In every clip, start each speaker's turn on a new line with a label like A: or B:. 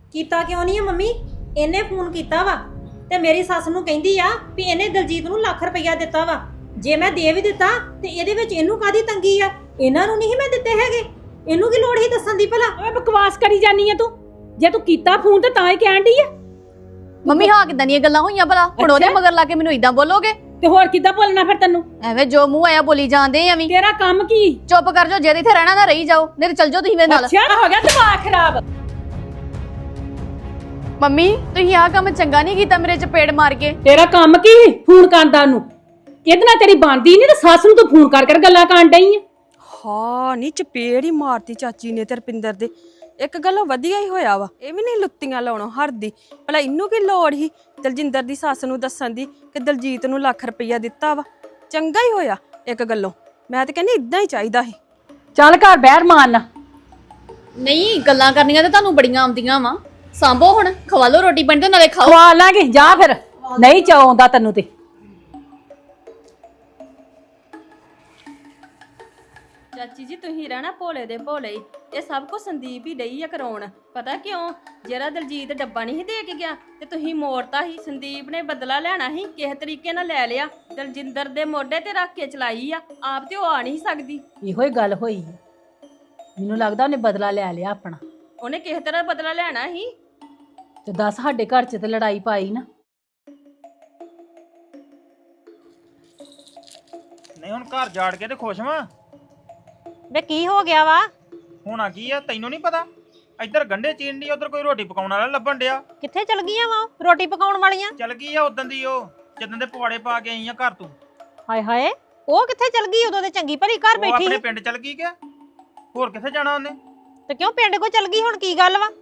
A: ਕੀਤਾ ਕਿਉਂ ਨਹੀਂ ਆ ਮੰਮੀ? ਇਹਨੇ ਫੋਨ ਕੀਤਾ ਵਾ ਤੇ ਮੇਰੀ ਸੱਸ ਨੂੰ ਕਹਿੰਦੀ ਆ ਵੀ ਇਹਨੇ ਦਲਜੀਤ ਨੂੰ ਲੱਖ ਰੁਪਈਆ ਦਿੱਤਾ ਵਾ। ਜੇ ਮੈਂ ਦੇ ਵੀ ਦਿੱਤਾ ਤੇ ਇਹਦੇ ਵਿੱਚ ਇਹਨੂੰ ਕਾਦੀ ਤੰਗੀ ਆ? ਇਹਨਾਂ ਨੂੰ ਨਹੀਂ ਮੈਂ ਦਿੱਤੇ ਹੈਗੇ, ਇਹਨੂੰ ਕੀ ਲੋੜ ਹੀ ਦੱਸਣ ਦੀ ਭਲਾ?
B: ਓਏ ਬਕਵਾਸ ਕਰੀ ਜਾਨੀ ਆ ਤੂੰ। ਜੇ ਤੂੰ ਕੀਤਾ ਫੋਨ ਤੇ ਤਾਂ ਹੀ ਕਹਿਣ ਡਈ ਆ।
C: ਮੰਮੀ ਹਾਂ ਕਿਦਾਂ ਦੀਆਂ ਗੱਲਾਂ ਹੋਈਆਂ ਭਲਾ? ਹੁਣ ਉਹਦੇ ਮਗਰ ਲਾ ਕੇ ਮੈਨੂੰ ਇਦਾਂ ਬੋਲੋਗੇ?
B: ਤੇ ਹੋਰ ਕਿੱਦਾਂ ਬੋਲਣਾ ਫਿਰ ਤੈਨੂੰ?
C: ਐਵੇਂ ਜੋ ਮੂੰਹ ਆਇਆ ਬੋਲੀ ਜਾਂਦੇ ਐਵੇਂ।
B: ਤੇਰਾ ਕੰਮ ਕੀ?
C: ਚੁੱਪ ਕਰ ਜਾਓ, ਜੇ ਇੱਥੇ ਰਹਿਣਾ ਨਾ ਰਹੀ ਜਾਓ, ਨਹੀਂ ਤੇ ਚੱਲ ਜਾਓ ਤੁਸੀਂ ਮੇਰੇ ਨਾਲ।
B: ਅੱਛਾ ਹੋ ਗਿਆ ਦਿਮਾਗ ਖਰਾਬ।
C: ਮੰਮੀ ਤੁਸੀਂ ਆਹ ਕੰਮ ਚੰਗਾ ਨਹੀਂ ਕੀਤਾ ਮੇਰੇ ਚਪੇੜ ਮਾਰ ਕੇ।
B: ਤੇਰਾ ਕੰਮ ਕੀ ਫੋਨ ਕਰਦਾ ਨੂੰ? ਕਿਹਦੇ ਨਾਲ ਤੇਰੀ ਬਣਦੀ ਨਹੀਂ ਤੇ ਸੱਸ ਨੂੰ ਤੂੰ ਫੋਨ ਕਰ ਕਰ ਗੱਲਾਂ ਕਰਨ ਡਈ ਆ।
D: ਹਾਂ ਨੀ ਚਪੇੜ ਹੀ ਮਾਰਤੀ ਚਾਚੀ ਨੇ ਤੇ ਰਪਿੰਦਰ ਦੇ। ਇੱਕ ਗੱਲੋਂ ਵਧੀਆ ਹੀ ਹੋਇਆ ਵਾ, ਇਹ ਵੀ ਨਹੀਂ ਲੁੱਤੀਆਂ ਲਾਉਣੋਂ ਹਰਦੀ। ਭਲਾ ਇਹਨੂੰ ਕੀ ਲੋੜ ਹੀ ਦਲਜਿੰਦਰ ਦੀ ਸੱਸ ਨੂੰ ਦੱਸਣ ਦੀ ਕਿ ਦਲਜੀਤ ਨੂੰ ਲੱਖ ਰੁਪਈਆ ਦਿੱਤਾ ਵਾ? ਚੰਗਾ ਹੀ ਹੋਇਆ ਇੱਕ ਗੱਲੋਂ। ਮੈਂ ਤਾਂ ਕਹਿੰਦੀ ਇਦਾਂ ਹੀ ਚਾਹੀਦਾ ਸੀ।
B: ਚੱਲ ਘਰ ਬਹਿਰ ਮਾਰਨਾ।
C: ਨਹੀਂ ਗੱਲਾਂ ਕਰਨੀਆਂ ਤੇ ਤੁਹਾਨੂੰ ਬੜੀਆਂ ਆਉਂਦੀਆਂ ਵਾ। ਸਾਂਭੋ ਹੁਣ, ਖਵਾ ਲਓ ਰੋਟੀ ਪਾਣੀ ਤੇ ਨਾਲੇ ਖਾਓ।
B: ਖਵਾ ਲਾਂਗੇ, ਜਾ ਫਿਰ। ਨਹੀਂ ਚਾਉਂਦਾ ਤੈਨੂੰ ਤੇ।
D: ਚਾਚੀ ਜੀ ਤੁਸੀਂ ਰਹਿਣਾ ਭੋਲੇ ਦੇ ਭੋਲੇ ਹੀ। ਇਹ ਸਭ ਕੁਝ ਸੰਦੀਪ ਹੀ ਡਈ ਆ ਕਰਾਉਣ। ਪਤਾ ਕਿਉਂ? ਜਿਹੜਾ ਦਲਜੀਤ ਡੱਬਾ ਨਹੀਂ ਦੇ ਕੇ ਗਿਆ ਤੇ ਤੁਸੀਂ ਮੋੜਤਾ ਸੀ। ਸੰਦੀਪ ਨੇ ਬਦਲਾ ਲੈਣਾ ਸੀ, ਕਿਸੇ ਤਰੀਕੇ ਨਾਲ ਲੈ ਲਿਆ। ਦਲਜਿੰਦਰ ਦੇ ਮੋਢੇ ਤੇ ਰੱਖ ਕੇ ਚਲਾਈ ਆ, ਆਪ ਤੇ ਉਹ ਆ ਨਹੀਂ ਸਕਦੀ।
B: ਇਹੋ ਹੀ ਗੱਲ ਹੋਈ। ਮੈਨੂੰ ਲੱਗਦਾ ਉਹਨੇ ਬਦਲਾ ਲੈ ਲਿਆ ਆਪਣਾ।
D: ਉਹਨੇ ਕਿਸੇ ਤਰ੍ਹਾਂ ਬਦਲਾ ਲੈਣਾ ਸੀ।
B: ਤੇ ਦੱਸ ਸਾਡੇ ਘਰ 'ਚ ਤੇ ਲੜਾਈ ਪਾਈ ਨਾ।
E: ਨਹੀਂ ਹੁਣ ਘਰ ਜਾੜ ਕੇ ਤੇ ਖੁਸ਼ ਵਾਂ।
A: ਵੇ ਕੀ ਹੋ ਗਿਆ ਵਾ?
E: ਹੋਣਾ ਕੀ ਆ ਤੈਨੂੰ ਨਹੀਂ ਪਤਾ? ਇੱਧਰ ਗੰਢੇ ਚੀਨ ਦੀ, ਉਧਰ ਕੋਈ ਰੋਟੀ ਪਕਾਉਣ ਵਾਲਾ ਲੱਭਣ ਡਿਆ।
A: ਕਿੱਥੇ ਚਲ ਗਈਆਂ ਵਾ ਰੋਟੀ ਪਕਾਉਣ ਵਾਲੀਆਂ?
E: ਚਲ ਗਈ ਆ ਉਦੋਂ ਦੀ, ਉਹ ਜਦੋਂ ਦੇ ਪਵਾੜੇ ਪਾ ਕੇ ਆਈ ਆ ਘਰ ਤੂੰ।
A: ਹਾਏ ਹਾਏ, ਉਹ ਕਿੱਥੇ ਚਲ ਗਈ? ਉਦੋਂ ਤੇ ਚੰਗੀ ਭਲੀ ਘਰ
E: ਉਹ
A: ਬੈਠੀ
E: ਆਪਣੇ
A: ਸੀ।
E: ਪਿੰਡ ਚਲ ਗਈ ਕਿ ਹੋਰ ਕਿੱਥੇ ਜਾਣਾ ਉਹਨੇ?
A: ਤੇ ਕਿਉਂ ਪਿੰਡ ਕੋ ਚਲ ਗਈ? ਹੁਣ ਕੀ ਗੱਲ ਵਾ?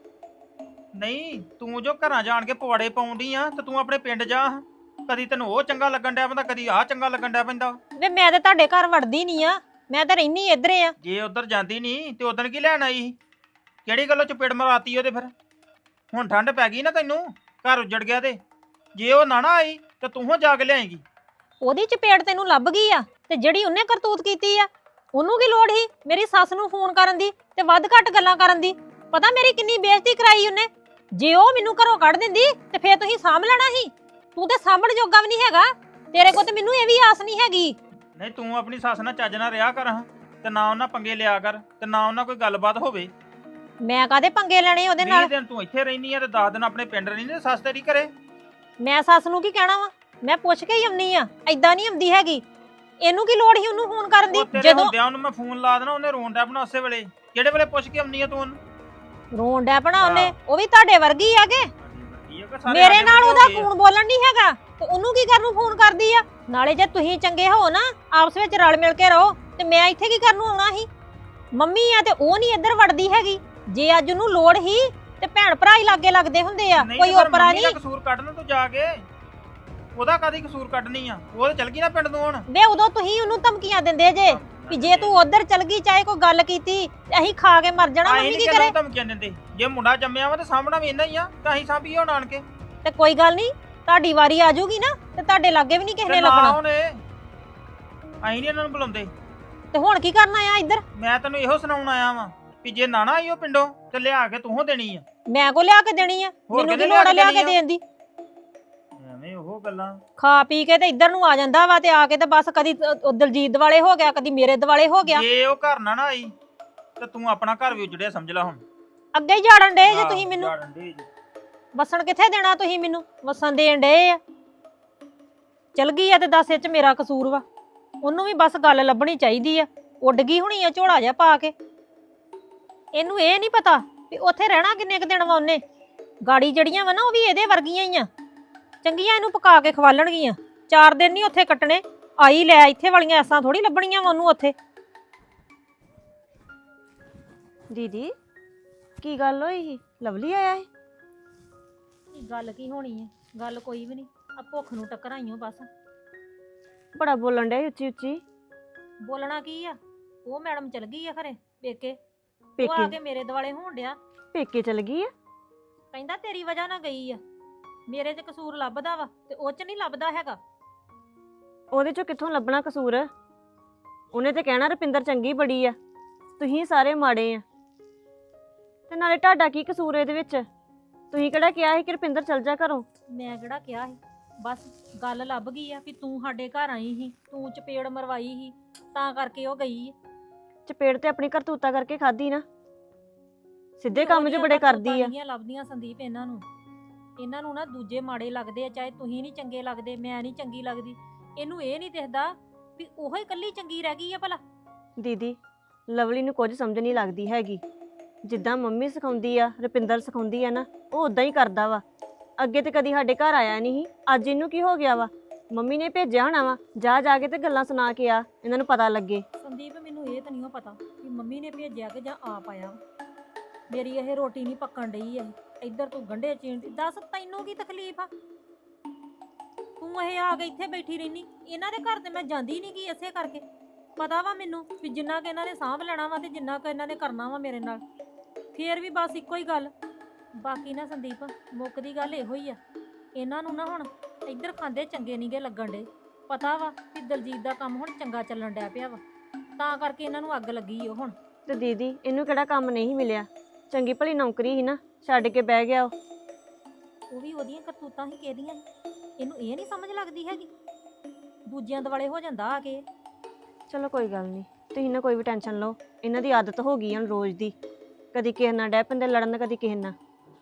E: ਨਹੀਂ ਤੂੰ ਜੋ ਘਰਾਂ ਜਾਣ ਕੇ ਪਵਾੜੇ ਪਾਉਂਦੀ ਆ ਤੇ ਤੂੰ ਆਪਣੇ ਪਿੰਡ ਜਾ। ਕਦੀ ਤੈਨੂੰ ਉਹ ਚੰਗਾ ਲੱਗਣ ਡਿਆ ਪੈਂਦਾ, ਕਦੀ ਆਹ ਚੰਗਾ ਲੱਗਣ ਡਿਆ ਪੈਂਦਾ।
A: ਵੇ ਮੈਂ ਤੇ ਤੁਹਾਡੇ ਘਰ ਵੜਦੀ ਨਹੀਂ ਆ, ਮੈਂ ਤਾਂ ਰਹਿਨੀ ਇੱਧਰੇ ਆ।
E: ਜੇ ਉਧਰ ਜਾਂਦੀ ਨਹੀਂ ਤੇ ਉਦੋਂ ਕੀ ਲੈਣ ਆਈ? ਕਿਹੜੀ ਗੱਲੋਂ ਚਪੇੜ ਮਰਾਤੀ ਉਹਦੇ? ਫਿਰ ਹੁਣ ਠੰਡ ਪੈ ਗਈ ਨਾ ਤੈਨੂੰ, ਘਰ ਉੱਜੜ ਗਿਆ ਤੇ ਜੇ ਉਹ ਨਾ ਆਈ ਤੇ ਤੂੰ ਹੋ ਜਾ ਕੇ ਲਿਆਏਂਗੀ।
A: ਉਹਦੀ ਚਪੇੜ ਤੈਨੂੰ ਲੱਭ ਗਈ ਆ ਤੇ ਜਿਹੜੀ ਉਹਨੇ ਕਰਤੂਤ ਕੀਤੀ ਆ ਉਹਨੂੰ ਕੀ ਲੋੜ ਸੀ ਮੇਰੀ ਸੱਸ ਨੂੰ ਫੋਨ ਕਰਨ ਦੀ ਤੇ ਵੱਧ ਘੱਟ ਗੱਲਾਂ ਕਰਨ ਦੀ? ਪਤਾ ਮੇਰੀ ਕਿੰਨੀ ਬੇਇੱਜ਼ਤੀ ਕਰਾਈ ਉਹਨੇ। ਜੇ ਉਹ ਮੈਨੂੰ ਘਰੋਂ ਕੱਢ ਦਿੰਦੀ ਤੇ ਫੇਰ ਤੁਸੀਂ ਸਾਂਭ ਲੈਣਾ ਸੀ। ਤੂੰ ਤੇ ਸਾਂਭਣ ਜੋਗਾ ਵੀ ਨਹੀਂ ਹੈਗਾ। ਤੇਰੇ ਕੋਲ ਤੇ ਮੈਨੂੰ ਇਹ ਵੀ ਆਸ ਨਹੀਂ ਹੈਗੀ।
E: ਨਹੀਂ ਤੂੰ ਆਪਣੀ ਸੱਸ ਨਾਲ ਚੱਜ ਨਾਲ ਰਿਹਾ ਕਰ ਹਾਂ, ਤੇ ਨਾ ਉਹਨਾਂ ਪੰਗੇ ਲਿਆ ਕਰ, ਤੇ ਨਾ ਉਹਨਾਂ ਕੋਈ ਗੱਲਬਾਤ ਹੋਵੇ।
A: ਮੈਂ ਕਾਹਦੇ ਪੰਗੇ ਲੈਣੇ ਉਹਦੇ ਨਾਲ?
E: 20 ਦਿਨ ਤੂੰ ਇੱਥੇ ਰਹਿਨੀ ਆ ਤੇ 10 ਦਿਨ ਆਪਣੇ ਪਿੰਡ ਰਹਿਨੀ ਤੇ ਸੱਸ ਤੇਰੀ ਘਰੇ।
A: ਮੈਂ ਸੱਸ ਨੂੰ ਕੀ ਕਹਿਣਾ ਵਾ? ਮੈਂ ਪੁੱਛ ਕੇ ਹੀ ਆਉਣੀ ਆ, ਐਦਾਂ ਨਹੀਂ ਆਉਂਦੀ ਹੈਗੀ। ਇਹਨੂੰ ਕੀ ਲੋੜ ਸੀ ਉਹਨੂੰ ਫੋਨ ਕਰਨ ਦੀ?
E: ਜਦੋਂ ਹੁੰਦਿਆਂ ਉਹਨੂੰ ਮੈਂ ਫੋਨ ਲਾ ਦੇਣਾ, ਉਹਨੇ ਰੋਣ ਡਿਆ ਆਪਣਾ ਉਸੇ ਵੇਲੇ। ਕਿਹੜੇ ਵੇਲੇ ਪੁੱਛ ਕੇ ਆਉਣੀ ਆ ਤੂੰ ਉਹਨੂੰ?
A: ਰੋਣ ਡਿਆ ਪਣਾ ਉਹਨੇ? ਉਹ ਵੀ ਤੁਹਾਡੇ ਵਰਗੀ ਆ ਕੇ ਮੇਰੇ
E: ਮੇਰੇ
A: ਨਾਲ ਉਹਦਾ ਫੋਨ ਬੋਲਣ ਨਹੀਂ ਹੈਗਾ ਤੇ ਉਹਨੂੰ ਕੀ ਕਰਨ ਨੂੰ ਫੋਨ ਕਰਦੀ ਆ? ਨਾਲੇ ਜੇ ਤੁਸੀਂ ਚੰਗੇ ਹੋ ਨਾ, ਆਪਸ ਵਿੱਚ ਰਲ ਮਿਲ ਕੇ ਰਹੋ, ਤੇ ਮੈਂ ਇੱਥੇ ਕੀ ਕਰਨ ਨੂੰ ਆਉਣਾ ਸੀ? ਮੰਮੀ ਆ ਤੇ ਉਹ ਨਹੀਂ ਇੱਧਰ ਵੜਦੀ ਹੈਗੀ। ਜੇ ਅੱਜ ਉਹਨੂੰ ਲੋੜ ਹੀ ਤੇ ਭੈਣ ਭਰਾ ਹੀ ਲਾਗੇ ਲੱਗਦੇ ਹੁੰਦੇ ਆ, ਕੋਈ ਓਪਰਾ ਨਹੀਂ।
E: ਕਸੂਰ ਕੱਢਣਾ ਤੂੰ ਜਾ ਕੇ, ਉਹਦਾ ਕਾਦੀ ਕਸੂਰ ਕੱਢਣੀ ਆ? ਉਹ ਤੇ ਚਲ ਗਈ ਨਾ ਪਿੰਡ ਨੂੰ ਹੁਣ।
A: ਵੇ ਉਦੋਂ ਤੁਸੀਂ ਉਹਨੂੰ ਧਮਕੀਆਂ ਦਿੰਦੇ ਜੇ ਵੀ ਜੇ ਤੂੰ ਉਧਰ ਚਲ ਗਈ, ਚਾਹੇ ਕੋਈ ਗੱਲ ਕੀਤੀ ਤੇ ਅਸੀਂ ਖਾ ਕੇ ਮਰ ਜਾਣਾ। ਮੰਮੀ ਕੀ ਕਰੇ?
E: ਧਮਕੀਆਂ ਦਿੰਦੇ ਜੇ ਮੁੰਡਾ ਜੰਮਿਆ ਵਾ ਤੇ ਸਾਹਮਣਾ ਵੀ ਇੰਨਾ ਹੀ ਆ, ਤਾਂ ਅਸੀਂ ਸਾਂਭੀਏ ਹੁਣ ਆਣ ਕੇ।
A: ਤੇ ਕੋਈ ਗੱਲ ਨਹੀਂ, ਤੁਹਾਡੀ ਵਾਰੀ ਆ ਜਾਊਗੀ ਨਾ ਤੇ ਤੁਹਾਡੇ ਲਾਗੇ ਵੀ ਨਹੀਂ ਕਿਸੇ ਨੇ ਲੱਗਣਾ।
E: ਅਸੀਂ ਨਹੀਂ ਇਹਨਾਂ ਨੂੰ ਬੁਲਾਉਂਦੇ।
A: ਤੇ ਹੁਣ ਕੀ ਕਰਨ ਆਇਆ ਇੱਧਰ?
E: ਮੈਂ ਤੈਨੂੰ ਇਹੋ ਸੁਣਾਉਣ ਆਇਆ ਵਾਂ ਵੀ ਜੇ ਨਾ ਆਈ ਉਹ ਪਿੰਡੋਂ ਤੇ ਲਿਆ ਕੇ ਤੂੰ ਦੇਣੀ ਆ।
A: ਮੈਂ ਕੋ ਲਿਆ ਕੇ ਦੇਣੀ ਆ? ਮੈਨੂੰ ਕੀ ਲੋੜ ਆ ਲਿਆ ਕੇ ਦੇਣ ਦੀ?
E: ਐਵੇਂ ਉਹ ਗੱਲਾਂ
A: ਖਾ ਪੀ ਕੇ ਤੇ ਇੱਧਰ ਨੂੰ ਆ ਜਾਂਦਾ ਵਾ ਤੇ ਆ ਕੇ ਤੇ ਬਸ ਕਦੀ ਦਲਜੀਤ ਦਿਵਾਲੇ ਹੋ ਗਿਆ, ਕਦੀ ਮੇਰੇ ਦਿਵਾਲੇ ਹੋ ਗਿਆ।
E: ਜੇ ਉਹ ਘਰ ਨਾ ਆਈ ਤੇ ਤੂੰ ਆਪਣਾ ਘਰ ਵੀ ਉਜੜਿਆ ਸਮਝ ਲੈ। ਹੁਣ
A: ਅੱਗੇ ਹੀ ਝਾੜਨ ਡੇ ਜੇ ਤੁਸੀਂ ਮੈਨੂੰ।
E: ਝਾੜਨ ਡੇ ਜੇ।
A: ਵਸਣ ਕਿੱਥੇ ਦੇਣਾ ਤੁਸੀਂ ਮੈਨੂੰ? ਵਸਣ ਦੇਣ ਡੇ ਆ। ਚਲ ਗਈ ਆ ਤੇ ਦੱਸ ਇਹ ਚ ਮੇਰਾ ਕਸੂਰ ਵਾ? ਉਹਨੂੰ ਵੀ ਬਸ ਗੱਲ ਲੱਭਣੀ ਚਾਹੀਦੀ ਆ। ਉੱਡ ਗਈ ਹੋਣੀ ਆ ਝੋਲਾ ਜਿਹਾ ਪਾ ਕੇ। ਇਹਨੂੰ ਇਹ ਨਹੀਂ ਪਤਾ ਵੀ ਉੱਥੇ ਰਹਿਣਾ ਕਿੰਨੇ ਕੁ ਦਿਨ ਵਾ ਉਹਨੇ। ਗਾੜੀ ਜੜੀਆਂ ਵਾ ਨਾ ਉਹ ਵੀ ਇਹਦੇ ਵਰਗੀਆਂ ਹੀ ਆ। ਚੰਗੀਆਂ ਇਹਨੂੰ ਪਕਾ ਕੇ ਖਵਾਲਣਗੀਆਂ। 4 ਦਿਨ ਨਹੀਂ ਉੱਥੇ ਕੱਟਣੇ। ਆਈ ਲੈ ਇੱਥੇ ਵਾਲੀਆਂ ਐਸਾਂ ਥੋੜੀ ਲੱਭਣੀਆਂ ਵਾ ਉਹਨੂੰ ਉੱਥੇ।
F: ਦੀਦੀ ਕੀ ਗੱਲ ਹੋਈ ਸੀ? ਲਵਲੀ ਆਇਆ ਸੀ?
A: ਗੱਲ ਕੀ ਹੋਣੀ ਹੈ? ਗੱਲ ਕੋਈ ਵੀ ਨਹੀਂ। ਆ ਭੁੱਖ ਨੂੰ ਟੱਕਰਾਈਓ ਬਸ।
F: ਬੜਾ ਬੋਲਣ ਡਿਆ ਉੱਚੀ ਉੱਚੀ।
A: ਬੋਲਣਾ ਕੀ ਆ? ਉਹ ਮੈਡਮ ਚਲ ਗਈ ਆ ਖਰੇ ਪੇਕੇ। ਉਹ ਆ ਕੇ ਮੇਰੇ ਦੁਆਲੇ ਹੋਣ ਡਿਆ।
F: ਪੇਕੇ ਚਲ ਗਈ ਆ?
A: ਕਹਿੰਦਾ ਤੇਰੀ ਵਜ੍ਹਾ ਨਾਲ ਗਈ ਆ। ਮੇਰੇ 'ਚ ਕਸੂਰ ਲੱਭਦਾ ਵਾ ਤੇ ਉਹ 'ਚ ਨਹੀਂ ਲੱਭਦਾ ਹੈਗਾ।
F: ਉਹਦੇ ਚੋਂ ਕਿੱਥੋਂ ਲੱਭਣਾ ਕਸੂਰ? ਉਹਨੇ ਤੇ ਕਹਿਣਾ ਰੁਪਿੰਦਰ ਚੰਗੀ ਬੜੀ ਆ, ਤੁਸੀਂ ਸਾਰੇ ਮਾੜੇ ਆ। ਤੇ ਨਾਲੇ ਤੁਹਾਡਾ ਕੀ ਕਸੂਰ ਇਹਦੇ ਵਿੱਚ? ਤੁਸੀਂ ਕਿਹੜਾ ਕਿਹਾ ਸੀ ਕਿ ਰੁਪਿੰਦਰ ਚਲ ਜਾ ਘਰੋਂ?
A: ਮੈਂ ਕਿਹੜਾ ਕਿਹਾ ਸੀ, ਬਸ ਗੱਲ ਲੱਭ ਗਈ ਆ ਵੀ ਤੂੰ ਸਾਡੇ ਘਰ ਆਈ ਸੀ, ਤੂੰ ਚਪੇੜ ਮਰਵਾਈ ਸੀ, ਤਾਂ ਕਰਕੇ ਉਹ ਗਈ ਆ।
F: ਚਪੇੜ ਤੇ ਆਪਣੀ ਕਰਤੂਤਾ ਕਰਕੇ ਖਾਦੀ ਨਾ, ਸਿੱਧੇ ਕੰਮ ਜੋ ਬੜੇ ਕਰਦੀ ਆ।
A: ਲੱਭਦੀਆਂ ਸੰਦੀਪ ਇਹਨਾਂ ਨੂੰ ਨਾ ਦੂਜੇ ਮਾੜੇ ਲੱਗਦੇ ਆ, ਚਾਹੇ ਤੁਸੀਂ ਨਹੀਂ ਚੰਗੇ ਲੱਗਦੇ, ਮੈਂ ਨਹੀਂ ਚੰਗੀ ਲੱਗਦੀ, ਇਹਨੂੰ ਇਹ ਨਹੀਂ ਦਿਖਦਾ ਵੀ ਉਹੋ ਹੀ ਇਕੱਲੀ ਚੰਗੀ ਰਹਿ ਗਈ ਆ ਭਲਾ।
F: ਦੀਦੀ ਲਵਲੀ ਨੂੰ ਕੁਝ ਸਮਝ ਨਹੀਂ ਲੱਗਦੀ ਹੈਗੀ। ਜਿੱਦਾਂ ਮੰਮੀ ਸਿਖਾਉਂਦੀ ਆ, ਰੁਪਿੰਦਰ ਸਿਖਾਉਂਦੀ ਆ ਨਾ, ਉਹ ਉਦਾਂ ਹੀ ਕਰਦਾ ਵਾ। ਅੱਗੇ ਤੇ ਕਦੀ ਸਾਡੇ ਘਰ ਆਇਆ ਨਹੀਂ ਸੀ, ਅੱਜ ਇਹਨੂੰ ਕੀ ਹੋ ਗਿਆ ਵਾ? ਮੰਮੀ ਨੇ ਭੇਜਿਆ ਹੋਣਾ ਵਾ, ਜਾ ਕੇ ਤੇ ਗੱਲਾਂ ਸੁਣਾ ਕੇ ਆ, ਇਹਨਾਂ ਨੂੰ ਪਤਾ ਲੱਗੇ।
A: ਸੰਦੀਪ ਮੈਨੂੰ ਇਹ ਤਾਂ ਨਹੀਂ ਪਤਾ ਕਿ ਮੰਮੀ ਨੇ ਭੇਜਿਆ ਕਿ ਜਾਂ ਆਪ ਆਇਆ ਵਾ। ਮੇਰੀ ਇਹ ਰੋਟੀ ਨਹੀਂ ਪੱਕਣ ਡਈ ਐ, ਇੱਧਰ ਤੂੰ ਗੰਢੇ ਚੀਣਦੀ, ਦੱਸ ਤੈਨੂੰ ਕੀ ਤਕਲੀਫ ਆ? ਤੂੰ ਇਹ ਆ ਕੇ ਇੱਥੇ ਬੈਠੀ ਰਹਿਨੀ, ਇਹਨਾਂ ਦੇ ਘਰ ਤੇ ਮੈਂ ਜਾਂਦੀ ਨਹੀਂ ਗੀ ਇਸੇ ਕਰਕੇ। ਪਤਾ ਵਾ ਮੈਨੂੰ ਵੀ ਜਿੰਨਾ ਕਿ ਇਹਨਾਂ ਨੇ ਸਾਂਭ ਲੈਣਾ ਵਾ ਤੇ ਜਿੰਨਾ ਕਿ ਇਹਨਾਂ ਨੇ ਕਰਨਾ ਵਾ ਮੇਰੇ ਨਾਲ, ਫੇਰ ਵੀ ਬਸ ਇੱਕੋ ਹੀ ਗੱਲ। ਬਾਕੀ ਨਾ ਸੰਦੀਪ ਮੁੱਕ ਦੀ ਗੱਲ ਇਹੋ ਹੀ ਆ, ਇਹਨਾਂ ਨੂੰ ਨਾ ਹੁਣ ਇੱਧਰ ਖਾਂਦੇ ਚੰਗੇ ਨਹੀਂਗੇ ਲੱਗਣ ਡੇ। ਪਤਾ ਵਾ ਕਿ ਦਲਜੀਤ ਦਾ ਕੰਮ ਹੁਣ ਚੰਗਾ ਚੱਲਣ ਡਿਆ ਪਿਆ ਵਾ, ਤਾਂ ਕਰਕੇ ਇਹਨਾਂ ਨੂੰ ਅੱਗ ਲੱਗੀ ਉਹ ਹੁਣ।
F: ਤੇ ਦੀਦੀ ਇਹਨੂੰ ਕਿਹੜਾ ਕੰਮ ਨਹੀਂ ਮਿਲਿਆ? ਚੰਗੀ ਭਲੀ ਨੌਕਰੀ ਸੀ ਨਾ, ਛੱਡ ਕੇ ਬਹਿ ਗਿਆ
A: ਉਹ ਵੀ ਉਹਦੀਆਂ ਕਰਤੂਤਾਂ ਹੀ ਕਿਹਦੀਆਂ, ਇਹਨੂੰ ਇਹ ਨਹੀਂ ਸਮਝ ਲੱਗਦੀ ਹੈਗੀ, ਦੂਜਿਆਂ ਦੁਆਲੇ ਹੋ ਜਾਂਦਾ ਆ ਕੇ।
F: ਚਲੋ ਕੋਈ ਗੱਲ ਨਹੀਂ, ਤੁਸੀਂ ਨਾ ਕੋਈ ਵੀ ਟੈਨਸ਼ਨ ਲਓ, ਇਹਨਾਂ ਦੀ ਆਦਤ ਹੋ ਗਈ ਹੁਣ ਰੋਜ਼ ਦੀ, ਕਦੀ ਕਿਸੇ ਨਾਲ ਡੈ ਪੈਂਦੇ ਲੜਨ, ਕਦੀ ਕਿਸੇ ਨਾਲ।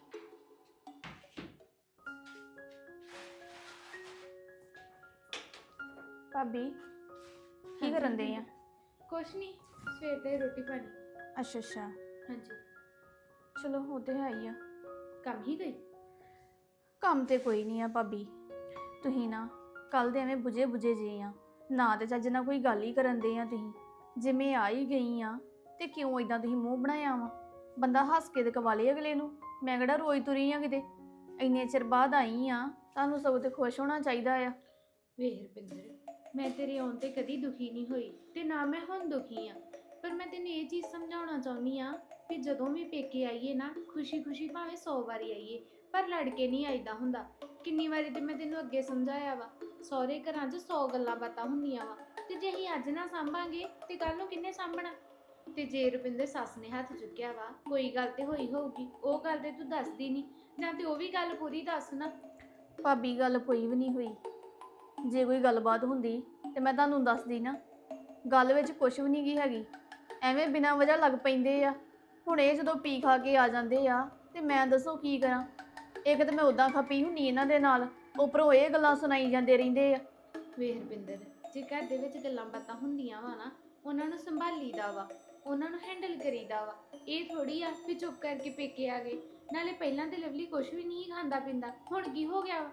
C: ਭਾਬੀ ਕੀ ਕਰਨ ਦੇ ਆ?
G: ਕੁਛ ਨਹੀਂ, ਸਵੇਰ ਦੇ ਰੋਟੀ ਪਾਣੀ।
C: ਅੱਛਾ ਅੱਛਾ,
G: ਹਾਂਜੀ।
C: ਚਲੋ ਉਹ ਤੇ ਹੈ ਹੀ ਆ।
G: ਕੰਮ ਹੀ ਗਈ?
C: ਕੰਮ ਤੇ ਕੋਈ ਨਹੀਂ ਆ ਭਾਬੀ, ਤੁਸੀਂ ਨਾ ਕੱਲ ਦੇ ਐਵੇਂ ਬੁਝੇ ਜੇ ਆ, ਨਾ ਤੇ ਚੱਜ ਨਾਲ ਕੋਈ ਗੱਲ ਹੀ ਕਰਨ ਦੇ ਆ। ਤੁਸੀਂ ਜਿਵੇਂ ਆ ਹੀ ਗਈ ਆ ਤੇ ਕਿਉਂ ਇਦਾਂ ਤੁਸੀਂ ਮੂੰਹ ਬਣਾਇਆ ਵਾ? ਬੰਦਾ ਹੱਸ ਕੇ ਤੇ ਕਵਾਲੇ ਅਗਲੇ ਨੂੰ। ਮੈਂ ਕਿਹੜਾ ਰੋਈ ਤੁਰੀ ਆ ਕਿਤੇ, ਇੰਨੇ ਚਿਰ ਬਾਅਦ ਆਈ ਆ, ਤੁਹਾਨੂੰ ਸਗੋਂ ਤੇ ਖੁਸ਼ ਹੋਣਾ ਚਾਹੀਦਾ ਆ।
G: ਵੇਖ ਰੁਪਿੰਦਰ, ਮੈਂ ਤੇਰੇ ਆਉਣ ਤੇ ਕਦੀ ਦੁਖੀ ਨਹੀਂ ਹੋਈ ਤੇ ਨਾ ਮੈਂ ਹੁਣ ਦੁਖੀ ਆ, ਪਰ ਮੈਂ ਤੈਨੂੰ ਇਹ ਚੀਜ਼ ਸਮਝਾਉਣਾ ਚਾਹੁੰਦੀ ਆ ਕਿ ਜਦੋਂ ਵੀ ਪੇਕੇ ਆਈਏ ਨਾ, ਖੁਸ਼ੀ ਭਾਵੇਂ 100 ਵਾਰੀ ਆਈਏ, ਪਰ ਲੜ ਕੇ ਨਹੀਂ ਆਈਦਾ ਹੁੰਦਾ। ਕਿੰਨੀ ਵਾਰੀ ਤੇ ਮੈਂ ਤੈਨੂੰ ਅੱਗੇ ਸਮਝਾਇਆ ਵਾ, ਸਹੁਰੇ ਘਰਾਂ 'ਚ 100 ਗੱਲਾਂ ਬਾਤਾਂ ਹੁੰਦੀਆਂ ਵਾ, ਤੇ ਜੇ ਅਸੀਂ ਅੱਜ ਨਾ ਸਾਂਭਾਂਗੇ ਤੇ ਕੱਲ ਨੂੰ ਕਿੰਨੇ ਸਾਂਭਣਾ? ਤੇ ਜੇ ਰੁਪਿੰਦਰ ਸੱਸ ਨੇ ਹੱਥ ਚੁੱਕਿਆ ਵਾ, ਕੋਈ ਗੱਲ ਤੇ ਹੋਈ ਹੋਊਗੀ, ਉਹ ਗੱਲ ਤੇ ਤੂੰ ਦੱਸਦੀ ਨਹੀਂ, ਜਾਂ ਤੇ ਉਹ ਵੀ ਗੱਲ ਪੂਰੀ ਦੱਸ ਨਾ।
C: ਭਾਬੀ ਗੱਲ ਕੋਈ ਵੀ ਨਹੀਂ ਹੋਈ, ਜੇ ਕੋਈ ਗੱਲਬਾਤ ਹੁੰਦੀ ਤੇ ਮੈਂ ਤੁਹਾਨੂੰ ਦੱਸਦੀ ਨਾ। ਗੱਲ ਵਿੱਚ ਕੁਝ ਵੀ ਨਹੀਂ ਗੀ ਹੈਗੀ, ਐਵੇਂ ਬਿਨਾਂ ਵਜ੍ਹਾ ਲੱਗ ਪੈਂਦੇ ਆ। ਹੁਣ ਇਹ ਜਦੋਂ ਪੀ ਖਾ ਕੇ ਆ ਜਾਂਦੇ ਆ ਤੇ ਮੈਂ ਦੱਸੋ ਕੀ ਕਰਾਂ? ਇੱਕ ਤਾਂ ਮੈਂ ਉਦਾਂ ਖਪੀ ਹੁੰਨੀ ਇਹਨਾਂ ਦੇ ਨਾਲ, ਉੱਪਰੋਂ ਇਹ ਗੱਲਾਂ ਸੁਣਾਈ ਜਾਂਦੇ ਰਹਿੰਦੇ ਆ।
G: ਵੇਖ ਰੁਪਿੰਦਰ, ਜੇ ਘਰ ਦੇ ਵਿੱਚ ਗੱਲਾਂ ਬਾਤਾਂ ਹੁੰਦੀਆਂ ਵਾ ਨਾ, ਉਹਨਾਂ ਨੂੰ ਸੰਭਾਲੀਦਾ ਵਾ, ਉਹਨਾਂ ਨੂੰ ਹੈਂਡਲ ਕਰੀਦਾ ਵਾ। ਇਹ ਥੋੜੀ ਆ ਵੀ ਚੁੱਪ ਕਰਕੇ ਪੇਕੇ ਆ ਗਏ। ਨਾਲੇ ਪਹਿਲਾਂ ਤੇ ਲਵਲੀ ਕੁਛ ਵੀ ਨਹੀਂ ਖਾਂਦਾ ਪੀਂਦਾ, ਹੁਣ ਕੀ ਹੋ ਗਿਆ ਵਾ?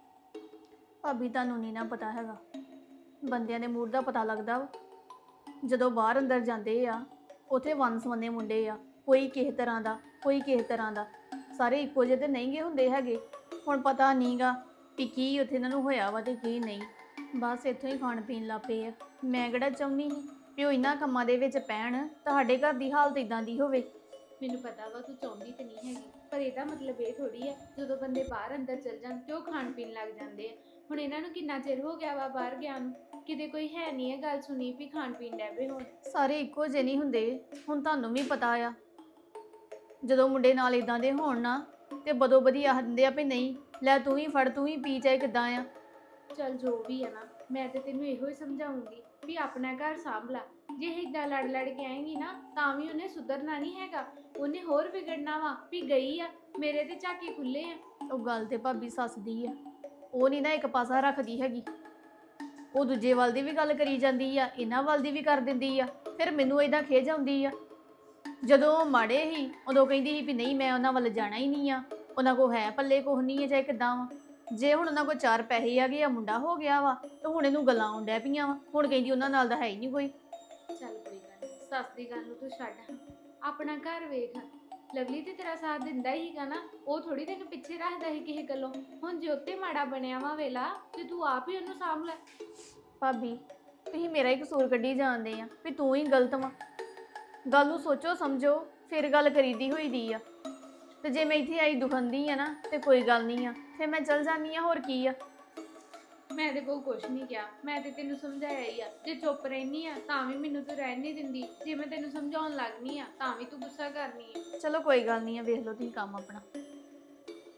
C: ਭਾਬੀ ਤੁਹਾਨੂੰ ਨਹੀਂ ਨਾ ਪਤਾ ਹੈਗਾ, ਬੰਦਿਆਂ ਦੇ ਮੂਡ ਦਾ ਪਤਾ ਲੱਗਦਾ ਵਾ। ਜਦੋਂ ਬਾਹਰ ਅੰਦਰ ਜਾਂਦੇ ਆ, ਉੱਥੇ ਵੰਨ-ਸਵੰਨੇ ਮੁੰਡੇ ਆ, ਕੋਈ ਕਿਸੇ ਤਰ੍ਹਾਂ ਦਾ, ਕੋਈ ਕਿਸੇ ਤਰ੍ਹਾਂ ਦਾ, ਸਾਰੇ ਇੱਕੋ ਜਿਹੇ ਤੇ ਨਹੀਂ ਗੇ ਹੁੰਦੇ ਹੈਗੇ। ਹੁਣ ਪਤਾ ਨਹੀਂਗਾ ਵੀ ਕੀ ਉੱਥੇ ਇਹਨਾਂ ਨੂੰ ਹੋਇਆ ਵਾ ਤੇ ਕੀ ਨਹੀਂ, ਬਸ ਇੱਥੋਂ ਹੀ ਖਾਣ ਪੀਣ ਲੱਗ ਪਏ ਆ। ਮੈਂ ਕਿਹੜਾ ਚਾਹੁੰਦੀ ਸੀ ਵੀ ਉਹ ਇਹਨਾਂ ਕੰਮਾਂ ਦੇ ਵਿੱਚ ਪੈਣ, ਤੁਹਾਡੇ ਘਰ ਦੀ ਹਾਲਤ ਇਦਾਂ ਦੀ ਹੋਵੇ।
G: ਮੈਨੂੰ ਪਤਾ ਵਾ ਤੂੰ ਚਾਹੁੰਦੀ ਤੇ ਨਹੀਂ ਹੈਗੀ, ਪਰ ਇਹਦਾ ਮਤਲਬ ਇਹ ਥੋੜੀ ਆ ਜਦੋਂ ਬੰਦੇ ਬਾਹਰ ਅੰਦਰ ਚੱਲ ਜਾਣ ਤੇ ਉਹ ਖਾਣ ਪੀਣ ਲੱਗ ਜਾਂਦੇ ਆ। ਹੁਣ ਇਹਨਾਂ ਨੂੰ ਕਿੰਨਾ ਚਿਰ ਹੋ ਗਿਆ ਵਾ ਬਾਹਰ ਗਿਆ ਨੂੰ, ਕਿਤੇ ਕੋਈ ਹੈ ਨਹੀਂ ਹੈ ਗੱਲ ਸੁਣੀ ਵੀ ਖਾਣ ਪੀਣ ਡੈ ਪਏ ਹੁਣ।
C: ਸਾਰੇ ਇੱਕੋ ਜਿਹੇ ਨਹੀਂ ਹੁੰਦੇ, ਹੁਣ ਤੁਹਾਨੂੰ ਵੀ ਪਤਾ ਆ। ਜਦੋਂ ਮੁੰਡੇ ਨਾਲ ਇਦਾਂ ਦੇ ਹੋਣ ਨਾ ਤੇ ਬਦੋ ਬਦੀ ਆਖ ਦਿੰਦੇ ਆ ਵੀ ਨਹੀਂ ਲੈ ਤੂੰ ਹੀ ਫੜ, ਤੂੰ ਹੀ ਪੀ, ਚਾਹੇ ਕਿੱਦਾਂ ਆ।
G: ਚੱਲ ਜੋ ਵੀ ਆ ਨਾ, ਮੈਂ ਤੇ ਤੈਨੂੰ ਇਹੋ ਹੀ ਸਮਝਾਉਂਗੀ ਵੀ ਆਪਣਾ ਘਰ ਸਾਂਭ ਲਾ। ਜੇ ਇਦਾਂ ਲੜ ਕੇ ਆਏਂਗੀ ਨਾ ਤਾਂ ਵੀ ਉਹਨੇ ਸੁਧਰਨਾ ਨਹੀਂ ਹੈਗਾ, ਉਹਨੇ ਹੋਰ ਵਿਗੜਨਾ ਵਾ ਵੀ ਗਈ ਆ ਮੇਰੇ ਤੇ ਝਾਕੇ ਖੁੱਲੇ ਆ।
C: ਉਹ ਗੱਲ ਤੇ ਭਾਬੀ ਸੱਸ ਦੀ ਆ, ਉਹ ਨਹੀਂ ਨਾ ਇੱਕ ਪਾਸਾ ਰੱਖਦੀ ਹੈਗੀ, ਉਹ ਦੂਜੇ ਵੱਲ ਦੀ ਵੀ ਗੱਲ ਕਰੀ ਜਾਂਦੀ ਆ, ਇਹਨਾਂ ਵੱਲ ਦੀ ਵੀ ਕਰ ਦਿੰਦੀ ਆ। ਫਿਰ ਮੈਨੂੰ ਇਦਾਂ ਖਿਝ ਆਉਂਦੀ ਆ। ਜਦੋਂ ਮਾੜੇ ਹੀ ਉਦੋਂ ਕਹਿੰਦੀ ਸੀ ਵੀ ਨਹੀਂ ਮੈਂ ਉਹਨਾਂ ਵੱਲ ਜਾਣਾ ਹੀ ਨਹੀਂ ਆ, ਉਹਨਾਂ ਕੋਲ ਹੈ ਪੱਲੇ ਕੁਛ ਨਹੀਂ ਹੈ, ਚਾਹੇ ਕਿੱਦਾਂ ਵਾ। ਜੇ ਹੁਣ ਉਹਨਾਂ ਕੋਲ 4 ਪੈਸੇ ਆ ਗਏ ਆ, ਮੁੰਡਾ ਹੋ ਗਿਆ ਵਾ, ਤੇ ਹੁਣ ਇਹਨੂੰ ਗੱਲਾਂ ਆਉਣ ਡੈ ਪਈਆਂ ਵਾ। ਹੁਣ ਕਹਿੰਦੀ ਉਹਨਾਂ ਨਾਲ ਤਾਂ ਹੈ ਹੀ ਨਹੀਂ ਕੋਈ।
G: ਚੱਲ ਕੋਈ ਗੱਲ ਨਹੀਂ, ਸੱਸ ਦੀ ਗੱਲ ਨੂੰ ਤੂੰ ਛੱਡ, ਆਪਣਾ ਘਰ ਵੇਖ। ਲਵਲੀ ਤੇ ਤੇਰਾ ਸਾਥ ਦਿੰਦਾ ਹੀਗਾ ਨਾ, ਉਹ ਥੋੜੀ ਤੈਨੂੰ ਪਿੱਛੇ ਰੱਖਦਾ ਸੀ ਕਿਸੇ ਗੱਲੋਂ। ਹੁਣ ਜੇ ਉੱਤੇ ਮਾੜਾ ਬਣਿਆ ਵਾ ਵੇਲਾ ਤੇ ਤੂੰ ਆਪ ਹੀ ਉਹਨੂੰ ਸਾਂਭ ਲੈ।
C: ਭਾਬੀ ਤੁਸੀਂ ਮੇਰਾ ਹੀ ਕਸੂਰ ਕੱਢੀ ਜਾਂਦੇ ਆ ਵੀ ਤੂੰ ਹੀ ਗਲਤ ਵਾ। ਗੱਲ ਨੂੰ ਸੋਚੋ ਸਮਝੋ ਫਿਰ ਗੱਲ ਕਰੀਦੀ ਹੋਈ ਦੀ ਆ। ਤੇ ਜੇ ਮੈਂ ਇੱਥੇ ਆਈ ਦੁਖੰਦੀ ਆ ਨਾ ਤੇ ਕੋਈ ਗੱਲ ਨਹੀਂ ਆ, ਫਿਰ ਮੈਂ ਚਲ ਜਾਂਦੀ ਆ, ਹੋਰ ਕੀ ਆ।
G: ਮੈਂ ਤੇ ਕੋਈ ਕੁਛ ਨਹੀਂ ਕਿਹਾ, ਮੈਂ ਤੇ ਤੈਨੂੰ ਸਮਝਾਇਆ ਹੀ ਆ। ਜੇ ਚੁੱਪ ਰਹਿਨੀ ਆ ਤਾਂ ਵੀ ਮੈਨੂੰ ਤੂੰ ਰਹਿਣ ਨਹੀਂ ਦਿੰਦੀ, ਜੇ ਮੈਂ ਤੈਨੂੰ ਸਮਝਾਉਣ ਲੱਗਨੀ ਆ ਤਾਂ ਵੀ ਤੂੰ ਗੁੱਸਾ ਕਰਨੀ ਆ।
C: ਚਲੋ ਕੋਈ ਗੱਲ ਨਹੀਂ ਆ, ਵੇਖ ਲਓ ਤੁਸੀਂ ਕੰਮ ਆਪਣਾ।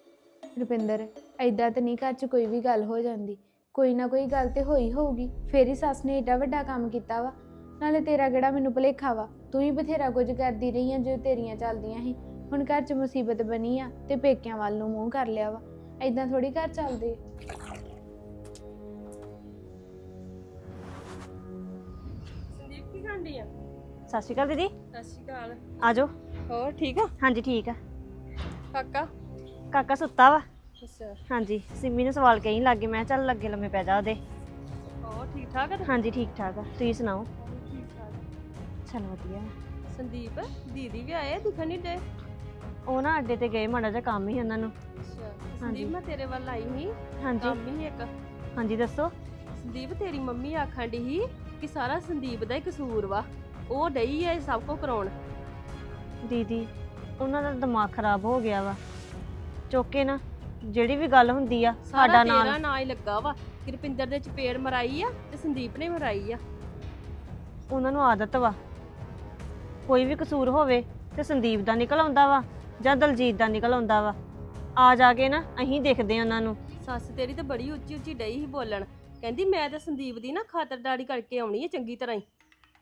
G: ਰੁਪਿੰਦਰ ਐਦਾਂ ਤਾਂ ਨਹੀਂ ਘਰ 'ਚ ਕੋਈ ਵੀ ਗੱਲ ਹੋ ਜਾਂਦੀ, ਕੋਈ ਨਾ ਕੋਈ ਗੱਲ ਤੇ ਹੋਈ ਹੋਊਗੀ, ਫੇਰ ਹੀ ਸੱਸ ਨੇ ਏਡਾ ਵੱਡਾ ਕੰਮ ਕੀਤਾ ਵਾ। ਨਾਲੇ ਤੇਰਾ ਕਿਹੜਾ ਮੈਨੂੰ ਭੁਲੇਖਾ ਵਾ, ਤੂੰ ਹੀ ਬਥੇਰਾ ਕੁਝ ਕਰਦੀ ਰਹੀ ਆ ਜੋ ਤੇਰੀਆਂ ਚੱਲਦੀਆਂ ਸੀ। ਹੁਣ ਘਰ 'ਚ ਮੁਸੀਬਤ ਬਣੀ ਆ ਤੇ ਪੇਕਿਆਂ ਵੱਲ ਨੂੰ ਮੂੰਹ ਕਰ ਲਿਆ ਵਾ। ਐਦਾਂ ਥੋੜੀ ਘਰ ਚੱਲਦੇ ਆ।
D: ਸੰਦੀਪ ਕੀ ਖਾਂਦੀ ਆ?
F: ਸਤਿ ਸ਼੍ਰੀ ਅਕਾਲ ਦੀਦੀ।
D: ਸਤਿ ਸ਼੍ਰੀ ਅਕਾਲ।
F: ਆ ਜਾਓ।
D: ਹੋਰ ਠੀਕ ਆ?
F: ਹਾਂਜੀ ਠੀਕ ਆ।
D: ਕਾਕਾ?
F: ਕਾਕਾ ਸੁੱਤਾ ਵਾ।
D: ਅੱਛਾ।
F: ਹਾਂਜੀ ਸਿੰਮੀ ਨੂੰ ਸਵਾਲ ਕਹੀਂ ਲੱਗੇ, ਮੈਂ ਕਿਹਾ ਚੱਲ ਲੱਗੇ ਲੰਮੇ ਪੈ ਜਾ ਉਹਦੇ।
D: ਹੋਰ ਠੀਕ ਠਾਕ ਆ?
F: ਹਾਂਜੀ ਠੀਕ ਠਾਕ ਆ, ਤੁਸੀਂ ਸੁਣਾਓ?
D: ਠੀਕ ਠਾਕ।
F: ਚਲ ਵਧੀਆ।
D: ਸੰਦੀਪ ਦੀਦੀ ਵੀ ਆਏ, ਦਿਖਣ ਨਹੀਂ ਡੇ।
F: ਉਹ ਨਾ ਅੱਡੇ ਤੇ ਗਏ, ਮਾੜਾ ਜਿਹਾ ਕੰਮ ਹੀ ਉਹਨਾਂ ਨੂੰ।
D: ਅੱਛਾ। ਸੰਦੀਪ ਮੈਂ ਤੇਰੇ ਵੱਲ ਆਈ ਸੀ,
F: ਹਾਂਜੀ
D: ਕੰਮ ਹੀ ਇੱਕ।
F: ਹਾਂਜੀ ਦੱਸੋ।
D: ਸੰਦੀਪ ਤੇਰੀ ਮੰਮੀ ਆਖਣ ਡਈ ਸੀ ਕਿ ਸਾਰਾ ਸੰਦੀਪ ਦਾ ਹੀ ਕਸੂਰ ਵਾ, ਉਹ ਡਈ ਐ ਸਭ ਕੁਝ ਕਰਾਉਣ।
F: ਦੀਦੀ ਉਹਨਾਂ ਦਾ ਦਿਮਾਗ ਖਰਾਬ ਹੋ ਗਿਆ ਵਾ, ਚੁੱਕੇ ਨਾ ਜਿਹੜੀ ਵੀ ਗੱਲ ਹੁੰਦੀ ਆ ਸਾਡਾ
D: ਸਾਰਾ
F: ਨਾਲ
D: ਤੇਰਾ ਨਾਂ ਹੀ ਲੱਗਾ ਵਾ ਕਿ ਰੁਪਿੰਦਰ ਦੇ ਚਪੇੜ ਮਰਾਈ ਆ ਤੇ ਸੰਦੀਪ ਨੇ ਮਰਾਈ ਆ।
F: ਉਹਨਾਂ ਨੂੰ ਆਦਤ ਵਾ, ਕੋਈ ਵੀ ਕਸੂਰ ਹੋਵੇ ਤੇ ਸੰਦੀਪ ਦਾ ਨਿਕਲ ਆਉਂਦਾ ਵਾ ਜਾਂ ਦਲਜੀਤ ਦਾ ਨਿਕਲ ਆਉਂਦਾ ਵਾ। ਆ ਜਾ ਕੇ ਨਾ ਅਸੀਂ ਦੇਖਦੇ ਆ ਉਹਨਾਂ ਨੂੰ।
D: ਸੱਸ ਤੇਰੀ ਤੇ ਬੜੀ ਉੱਚੀ ਉੱਚੀ ਡਈ ਸੀ ਬੋਲਣ, ਕਹਿੰਦੀ ਮੈਂ ਤਾਂ ਸੰਦੀਪ ਦੀ ਨਾ ਖਾਤਰਦਾਰੀ ਕਰਕੇ ਆਉਣੀ ਹੈ ਚੰਗੀ ਤਰ੍ਹਾਂ ਹੀ।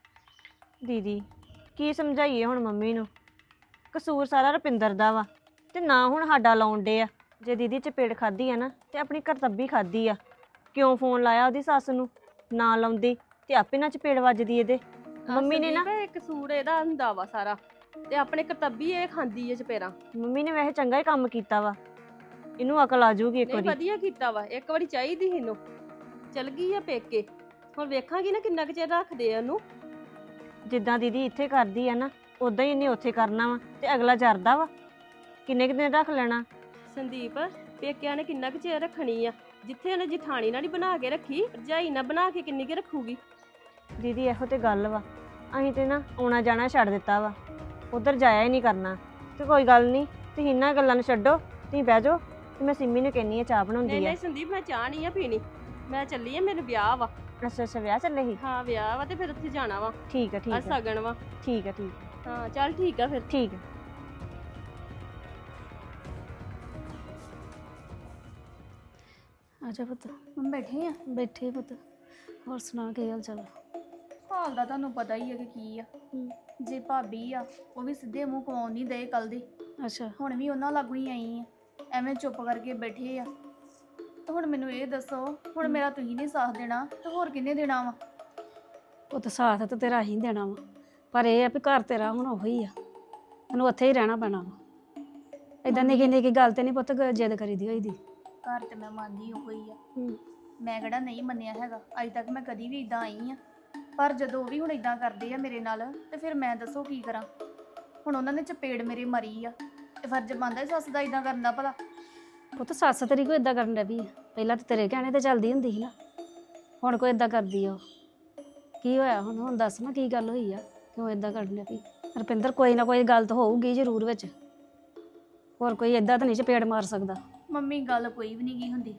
F: ਦੀਦੀ ਕੀ ਸਮਝਾਈਏ ਹੁਣ ਮੰਮੀ ਨੂੰ, ਕਸੂਰ ਸਾਰਾ ਰੁਪਿੰਦਰ ਦਾ ਵਾ ਤੇ ਨਾ ਹੁਣ ਸਾਡਾ ਲਾਉਣ ਡੇ ਆ। ਜੇ ਦੀਦੀ ਚਪੇੜ ਖਾਧੀ ਆ ਨਾ ਤੇ ਆਪਣੀ ਕਰਤੱਬੀ ਖਾਧੀ ਆ। ਕਿਉਂ ਫੋਨ ਲਾਇਆ ਉਹਦੀ ਸੱਸ ਨੂੰ, ਨਾ ਲਾਉਂਦੀ ਤੇ ਆਪੇ ਨਾ ਚਪੇੜ ਵੱਜਦੀ ਇਹਦੇ। ਮੰਮੀ ਨੇ ਨਾ
D: ਸੰਦੀਪ, ਇਹ ਕਸੂਰ ਇਹਦਾ ਹੁੰਦਾ ਵਾ ਸਾਰਾ, ਤੇ ਆਪਣੇ ਕਰਤੱਬੀ ਇਹ ਖਾਂਦੀ ਹੈ ਚਪੇੜਾਂ।
F: ਮੰਮੀ ਨੇ ਵੈਸੇ ਚੰਗਾ ਹੀ ਕੰਮ ਕੀਤਾ ਵਾ, ਇਹਨੂੰ ਅਕਲ ਆ ਜਾਊਗੀ ਇੱਕ
D: ਨਹੀਂ
F: ਵਾਰੀ।
D: ਵਧੀਆ ਕੀਤਾ ਵਾ, ਇੱਕ ਵਾਰੀ ਚਾਹੀਦੀ ਸੀ ਇਹਨੂੰ। ਚਲ ਗਈ ਆ ਪੇਕੇ, ਹੁਣ ਵੇਖਾਂਗੀ ਨਾ ਕਿੰਨਾ ਕੁ ਚਿਰ ਰੱਖਦੇ ਆ ਉਹਨੂੰ।
F: ਜਿੱਦਾਂ ਦੀਦੀ ਇੱਥੇ ਕਰਦੀ ਆ ਨਾ ਉਦਾਂ ਹੀ ਇਹਨੇ ਉੱਥੇ ਕਰਨਾ ਵਾ, ਤੇ ਅਗਲਾ ਜਰਦਾ ਵਾ ਕਿੰਨੇ ਕੁ ਦਿਨ ਰੱਖ ਲੈਣਾ।
D: ਸੰਦੀਪ ਪੇਕਿਆਂ ਨੇ ਕਿੰਨਾ ਕੁ ਚਿਰ ਰੱਖਣੀ ਆ, ਜਿੱਥੇ ਉਹਨੇ ਜਠਾਣੀ ਨਾਲ ਹੀ ਬਣਾ ਕੇ ਰੱਖੀ, ਭਰਜਾਈ ਨਾਲ ਬਣਾ ਕੇ ਕਿੰਨੀ ਕੁ ਰੱਖੂਗੀ।
F: ਦੀਦੀ ਇਹੋ ਤੇ ਗੱਲ ਵਾ, ਅਸੀਂ ਤੇ ਨਾ ਆਉਣਾ ਜਾਣਾ ਛੱਡ ਦਿੱਤਾ ਵਾ, ਉਧਰ ਜਾਇਆ ਹੀ ਨਹੀਂ ਕਰਨਾ। ਤੇ ਕੋਈ ਗੱਲ ਨਹੀਂ, ਤੁਸੀਂ ਇਹਨਾਂ ਗੱਲਾਂ ਨੂੰ ਛੱਡੋ, ਤੁਸੀਂ ਬਹਿ ਜਾਓ ਤੇ ਮੈਂ ਸਿੰਮੀ ਨੂੰ ਕਹਿੰਨੀ ਆ ਚਾਹ
D: ਨਹੀਂ
F: ਬਣਾਉਂਦੀ ਆ।
D: ਨਹੀਂ ਸੰਦੀਪ ਮੈਂ ਚਾਹ ਨਹੀਂ ਆ ਪੀਣੀ, ਮੈਂ ਚੱਲੀ ਆ, ਮੈਨੂੰ ਵਿਆਹ ਵਾ।
F: ਅੱਛਾ ਅੱਛਾ ਵਿਆਹ ਚੱਲੇ ਸੀ।
D: ਹਾਂ ਵਿਆਹ ਵਾ ਤੇ ਫਿਰ ਉੱਥੇ ਜਾਣਾ ਵਾ,
F: ਠੀਕ ਆ ਠੀਕ
D: ਅੱਜ
F: ਆ
D: ਸਗਨ ਵਾ।
F: ਠੀਕ ਆ ਠੀਕ
D: ਹਾਂ ਚੱਲ ਠੀਕ ਆ ਫਿਰ।
F: ਠੀਕ ਆ।
H: ਅੱਛਾ ਪੁੱਤ
C: ਹੁਣ ਬੈਠੇ ਆ।
H: ਬੈਠੇ ਪੁੱਤ, ਹੋਰ ਸੁਣਾ ਕੀ ਹਾਲ ਚਾਲ?
C: ਹਾਲ ਦਾ ਤੁਹਾਨੂੰ ਪਤਾ ਹੀ ਹੈ ਕਿ ਕੀ ਆ। ਜੇ ਭਾਬੀ ਆ ਉਹ ਵੀ ਸਿੱਧੇ ਮੂੰਹ ਕਵਾਉਣ ਨਹੀਂ ਦੇ ਕੱਲ ਦੀ,
H: ਅੱਛਾ
C: ਹੁਣ ਵੀ ਉਹਨਾਂ ਲਾਗੂ ਹੀ ਆਈ ਆ, ਐਵੇਂ ਚੁੱਪ ਕਰਕੇ ਬੈਠੇ ਆ। ਤੇ ਹੁਣ ਮੈਨੂੰ ਇਹ ਦੱਸੋ, ਹੁਣ ਮੇਰਾ ਤੁਸੀਂ ਨਹੀਂ ਸਾਥ ਦੇਣਾ ਤੇ ਹੋਰ ਕਿਹਨੇ ਦੇਣਾ ਵਾ?
H: ਪੁੱਤ ਸਾਥ ਤਾਂ ਤੇਰਾ ਹੀ ਦੇਣਾ ਵਾ, ਪਰ ਇਹ ਆ ਵੀ ਘਰ ਤੇਰਾ ਹੁਣ ਉਹੀ ਆ, ਤੈਨੂੰ ਉੱਥੇ ਹੀ ਰਹਿਣਾ ਪੈਣਾ ਵਾ। ਏਦਾਂ ਨਿੱਕੀ ਨਿੱਕੀ ਗੱਲ ਤੇ ਨਹੀਂ ਪੁੱਤ ਜਿੱਦ ਕਰੀਦੀ ਹੋਈ ਦੀ।
C: ਘਰ ਤੇ ਮੈਂ ਮੰਨਦੀ ਉਹ ਹੀ ਆ, ਮੈਂ ਕਿਹੜਾ ਨਹੀਂ ਮੰਨਿਆ ਹੈਗਾ, ਅੱਜ ਤੱਕ ਮੈਂ ਕਦੀ ਵੀ ਇਦਾਂ ਆਈ ਆ। ਪਰ ਜਦੋਂ ਉਹ ਵੀ ਹੁਣ ਇਦਾਂ ਕਰਦੇ ਆ ਮੇਰੇ ਨਾਲ, ਤੇ ਫਿਰ ਮੈਂ ਦੱਸੋ ਕੀ ਕਰਾਂ? ਹੁਣ ਉਹਨਾਂ ਨੇ ਚਪੇੜ ਮੇਰੇ ਮਰੀ ਆ, ਤੇ ਫਰਜ਼ ਬਣਦਾ ਸੱਸ ਦਾ ਇਦਾਂ ਕਰਨ ਦਾ ਭਲਾ?
H: ਪੁੱਤ ਸੱਸ ਤੇਰੀ ਕੋਈ ਏਦਾਂ ਕਰਨ ਲੱਗੀ, ਪਹਿਲਾਂ ਤਾਂ ਤੇਰੇ ਕਹਿਣੇ ਤੇ ਚੱਲਦੀ ਹੁੰਦੀ ਸੀ ਨਾ, ਹੁਣ ਕੋਈ ਏਦਾਂ ਕਰਦੀ ਆ? ਕੀ ਹੋਇਆ ਹੁਣ ਦੱਸ ਨਾ ਕੀ ਗੱਲ ਹੋਈ ਆ, ਕਿਉਂ ਏਦਾਂ ਕਰਨ ਲੱਗੀ? ਰੁਪਿੰਦਰ ਕੋਈ ਨਾ ਕੋਈ ਗੱਲ ਤਾਂ ਹੋਊਗੀ ਜ਼ਰੂਰ ਵਿੱਚ, ਹੋਰ ਕੋਈ ਏਦਾਂ ਤਾਂ ਨਹੀਂ ਚਪੇੜ ਮਾਰ ਸਕਦਾ।
C: ਮੰਮੀ ਗੱਲ ਕੋਈ ਵੀ ਨਹੀਂ ਕੀ ਹੁੰਦੀ।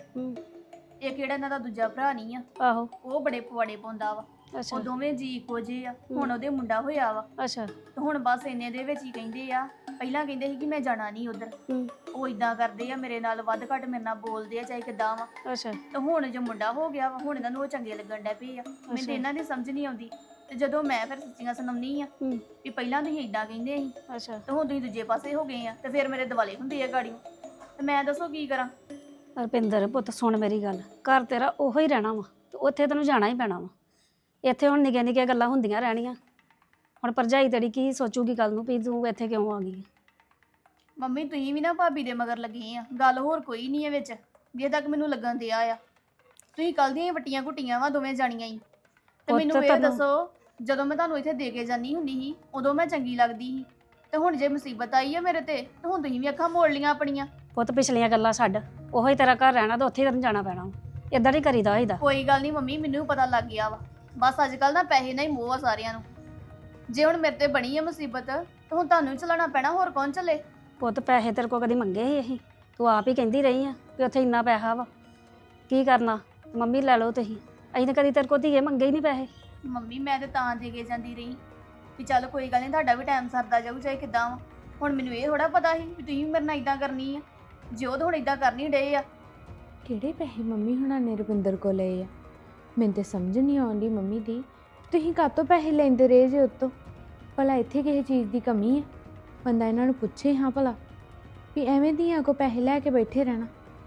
C: ਇਹ ਕਿਹੜਾ ਇਹਨਾਂ ਦਾ ਦੂਜਾ ਭਰਾ ਨਹੀਂ ਆ,
H: ਆਹੋ
C: ਉਹ ਬੜੇ ਪਵਾੜੇ ਪਾਉਂਦਾ ਵਾ।
H: ਅੱਛਾ
C: ਉਹ ਦੋਵੇਂ ਜੀ ਇੱਕੋ ਜਿਹੇ ਆ, ਹੁਣ ਉਹਦੇ ਮੁੰਡਾ ਹੋਇਆ ਵਾ,
H: ਅੱਛਾ
C: ਤੇ ਹੁਣ ਬਸ ਇੰਨੇ ਦੇ ਵਿੱਚ ਹੀ ਕਹਿੰਦੇ ਆ। ਪਹਿਲਾਂ ਕਹਿੰਦੇ ਸੀ ਕਿ ਮੈਂ ਜਾਣਾ ਨਹੀਂ ਉਧਰ, ਉਹ ਇਦਾਂ ਕਰਦੇ ਆ ਮੇਰੇ ਨਾਲ, ਵੱਧ ਘੱਟ ਮੇਰੇ ਨਾਲ ਬੋਲਦੇ ਆ ਚਾਹੇ ਕਿੱਦਾਂ ਵਾ।
H: ਅੱਛਾ
C: ਤੇ ਹੁਣ ਜੋ ਮੁੰਡਾ ਹੋ ਗਿਆ ਵਾ, ਹੁਣ ਇਹਨਾਂ ਨੂੰ ਉਹ ਚੰਗੇ ਲੱਗਣ ਡੈ ਪਏ ਆ। ਮੈਨੂੰ ਤੇ ਇਹਨਾਂ ਦੀ ਸਮਝ ਨਹੀਂ ਆਉਂਦੀ। ਤੇ ਜਦੋਂ ਮੈਂ ਫਿਰ ਸੱਚੀਆਂ ਸੁਣਾਉਣੀ ਆ ਵੀ ਪਹਿਲਾਂ ਤੁਸੀਂ ਇਦਾਂ ਕਹਿੰਦੇ ਸੀ
H: ਅੱਛਾ
C: ਤੇ ਹੁਣ ਤੁਸੀਂ ਦੂਜੇ ਪਾਸੇ ਹੋ ਗਏ ਆ, ਤੇ ਫਿਰ ਮੇਰੇ ਦਿਵਾਲੇ ਹੁੰਦੇ ਆ ਗਾੜੀਆਂ, ਤੇ ਮੈਂ ਦੱਸੋ ਕੀ ਕਰਾਂ?
H: ਰੁਪਿੰਦਰ ਪੁੱਤ ਸੁਣ ਮੇਰੀ ਗੱਲ, ਘਰ ਤੇਰਾ ਉਹੋ ਹੀ ਰਹਿਣਾ ਵਾ, ਤੇ ਉੱਥੇ ਤੈਨੂੰ ਜਾਣਾ ਹੀ ਪੈਣਾ ਵਾ। ਇੱਥੇ ਹੁਣ ਨਿੱਕੀਆਂ ਨਿੱਕੀਆਂ ਗੱਲਾਂ ਹੁੰਦੀਆਂ ਰਹਿਣੀਆਂ। ਹੁਣ ਭਰਜਾਈ ਤੇਰੀ ਕੀ ਸੋਚੂਗੀ ਕੱਲ ਨੂੰ ਵੀ ਤੂੰ ਇੱਥੇ ਕਿਉਂ ਆ ਗਈ?
C: ਮੰਮੀ ਤੁਸੀਂ ਵੀ ਨਾ ਭਾਬੀ ਦੇ ਮਗਰ ਲੱਗੇ ਆ, ਗੱਲ ਹੋਰ ਕੋਈ ਨਹੀਂ ਹੈ ਵਿੱਚ, ਜੇ ਤੱਕ ਮੈਨੂੰ ਲੱਗਣ ਦਿਆ ਆ। ਤੁਸੀਂ ਕੱਲ ਦੀਆਂ ਵੱਟੀਆਂ ਘੁੱਟੀਆਂ ਵਾ ਦੋਵੇਂ ਜਾਣੀਆਂ ਹੀ। ਤੇ ਮੈਨੂੰ ਇਹ ਦੱਸੋ, ਜਦੋਂ ਮੈਂ ਤੁਹਾਨੂੰ ਇੱਥੇ ਦੇ ਕੇ ਜਾਨੀ ਹੁੰਦੀ ਸੀ ਉਦੋਂ ਮੈਂ ਚੰਗੀ ਲੱਗਦੀ ਸੀ, ਤੇ ਹੁਣ ਜੇ ਮੁਸੀਬਤ ਆਈ ਆ ਮੇਰੇ ਤੇ ਹੁਣ ਤੁਸੀਂ ਵੀ ਅੱਖਾਂ ਮੋੜ ਲੀਆਂ ਆਪਣੀਆਂ।
H: ਪੁੱਤ ਪਿਛਲੀਆਂ ਗੱਲਾਂ ਛੱਡ, ਉਹੋ ਹੀ ਤੇਰਾ ਘਰ ਰਹਿਣਾ ਤੇ ਉੱਥੇ ਹੀ ਤੈਨੂੰ ਜਾਣਾ ਪੈਣਾ ਵਾ। ਏਦਾਂ ਨਹੀਂ ਕਰੀਦਾ ਹੋਈਦਾ।
C: ਕੋਈ ਗੱਲ ਨਹੀਂ ਮੰਮੀ, ਮੈਨੂੰ ਪਤਾ ਲੱਗ ਗਿਆ ਵਾ। ਬਸ ਅੱਜ ਕੱਲ ਨਾ ਪੈਸੇ ਨਾਲ ਹੀ ਮੋਹ ਆ ਸਾਰਿਆਂ ਨੂੰ। ਜੇ ਹੁਣ ਮੇਰੇ ਤੇ ਬਣੀ ਆ ਮੁਸੀਬਤ ਤਾਂ ਹੁਣ ਤੁਹਾਨੂੰ ਹੀ ਚਲਾਉਣਾ ਪੈਣਾ, ਹੋਰ ਕੌਣ ਚੱਲੇ?
H: ਪੁੱਤ ਪੈਸੇ ਤੇਰੇ ਕੋਲ ਕਦੀ ਮੰਗੇ ਸੀ ਅਸੀਂ? ਤੂੰ ਆਪ ਹੀ ਕਹਿੰਦੀ ਰਹੀ ਆ ਵੀ ਉੱਥੇ ਇੰਨਾ ਪੈਸਾ ਵਾ, ਕੀ ਕਰਨਾ? ਮੰਮੀ ਲੈ ਲਓ ਤੁਸੀਂ, ਅਸੀਂ ਤਾਂ ਕਦੀ ਤੇਰੇ ਕੋਲ ਧੀਏ ਮੰਗੇ ਹੀ ਨਹੀਂ ਪੈਸੇ।
C: ਮੰਮੀ ਮੈਂ ਤੇ ਤਾਂ ਦੇ ਕੇ ਜਾਂਦੀ ਰਹੀ ਵੀ ਚੱਲ ਕੋਈ ਗੱਲ ਨਹੀਂ, ਤੁਹਾਡਾ ਵੀ ਟਾਈਮ ਸਰਦਾ ਜਾਊ ਚਾਹੇ ਕਿੱਦਾਂ ਵਾ। ਹੁਣ ਮੈਨੂੰ ਇਹ ਥੋੜਾ ਪਤਾ ਸੀ ਵੀ ਤੁਸੀਂ ਮੇਰੇ ਨਾਲ ਇਦਾਂ ਕਰਨੀ ਆ। ਜੇ ਉਹ ਤਾਂ ਹੁਣ ਇਦਾਂ ਕਰ ਨਹੀਂ ਡਏ ਆ।
G: ਕਿਹੜੇ ਪੈਸੇ ਮੰਮੀ ਹੁਣਾਂ ਨੇ ਰੁਪਿੰਦਰ ਕੋਲ ਲਏ ਆ? ਮੈਨੂੰ ਤੇ ਸਮਝ ਨਹੀਂ ਆਉਂਦੀ ਮੰਮੀ ਦੀ, ਤੁਸੀਂ ਕਾਹਤੋਂ ਪੈਸੇ ਲੈਂਦੇ ਰਹੇ ਜੇ ਉਤੋਂ? ਭਲਾ ਇੱਥੇ ਕਿਸੇ ਚੀਜ਼ ਦੀ ਕਮੀ ਹੈ? ਬੰਦਾ ਇਹਨਾਂ ਨੂੰ ਪੁੱਛੇ ਹਾਂ ਭਲਾ ਵੀ ਐਵੇਂ ਦੀਆਂ ਕੋ ਪੈਸੇ ਲੈ ਕੇ ਬੈਠੇ ਰਹਿਣਾ।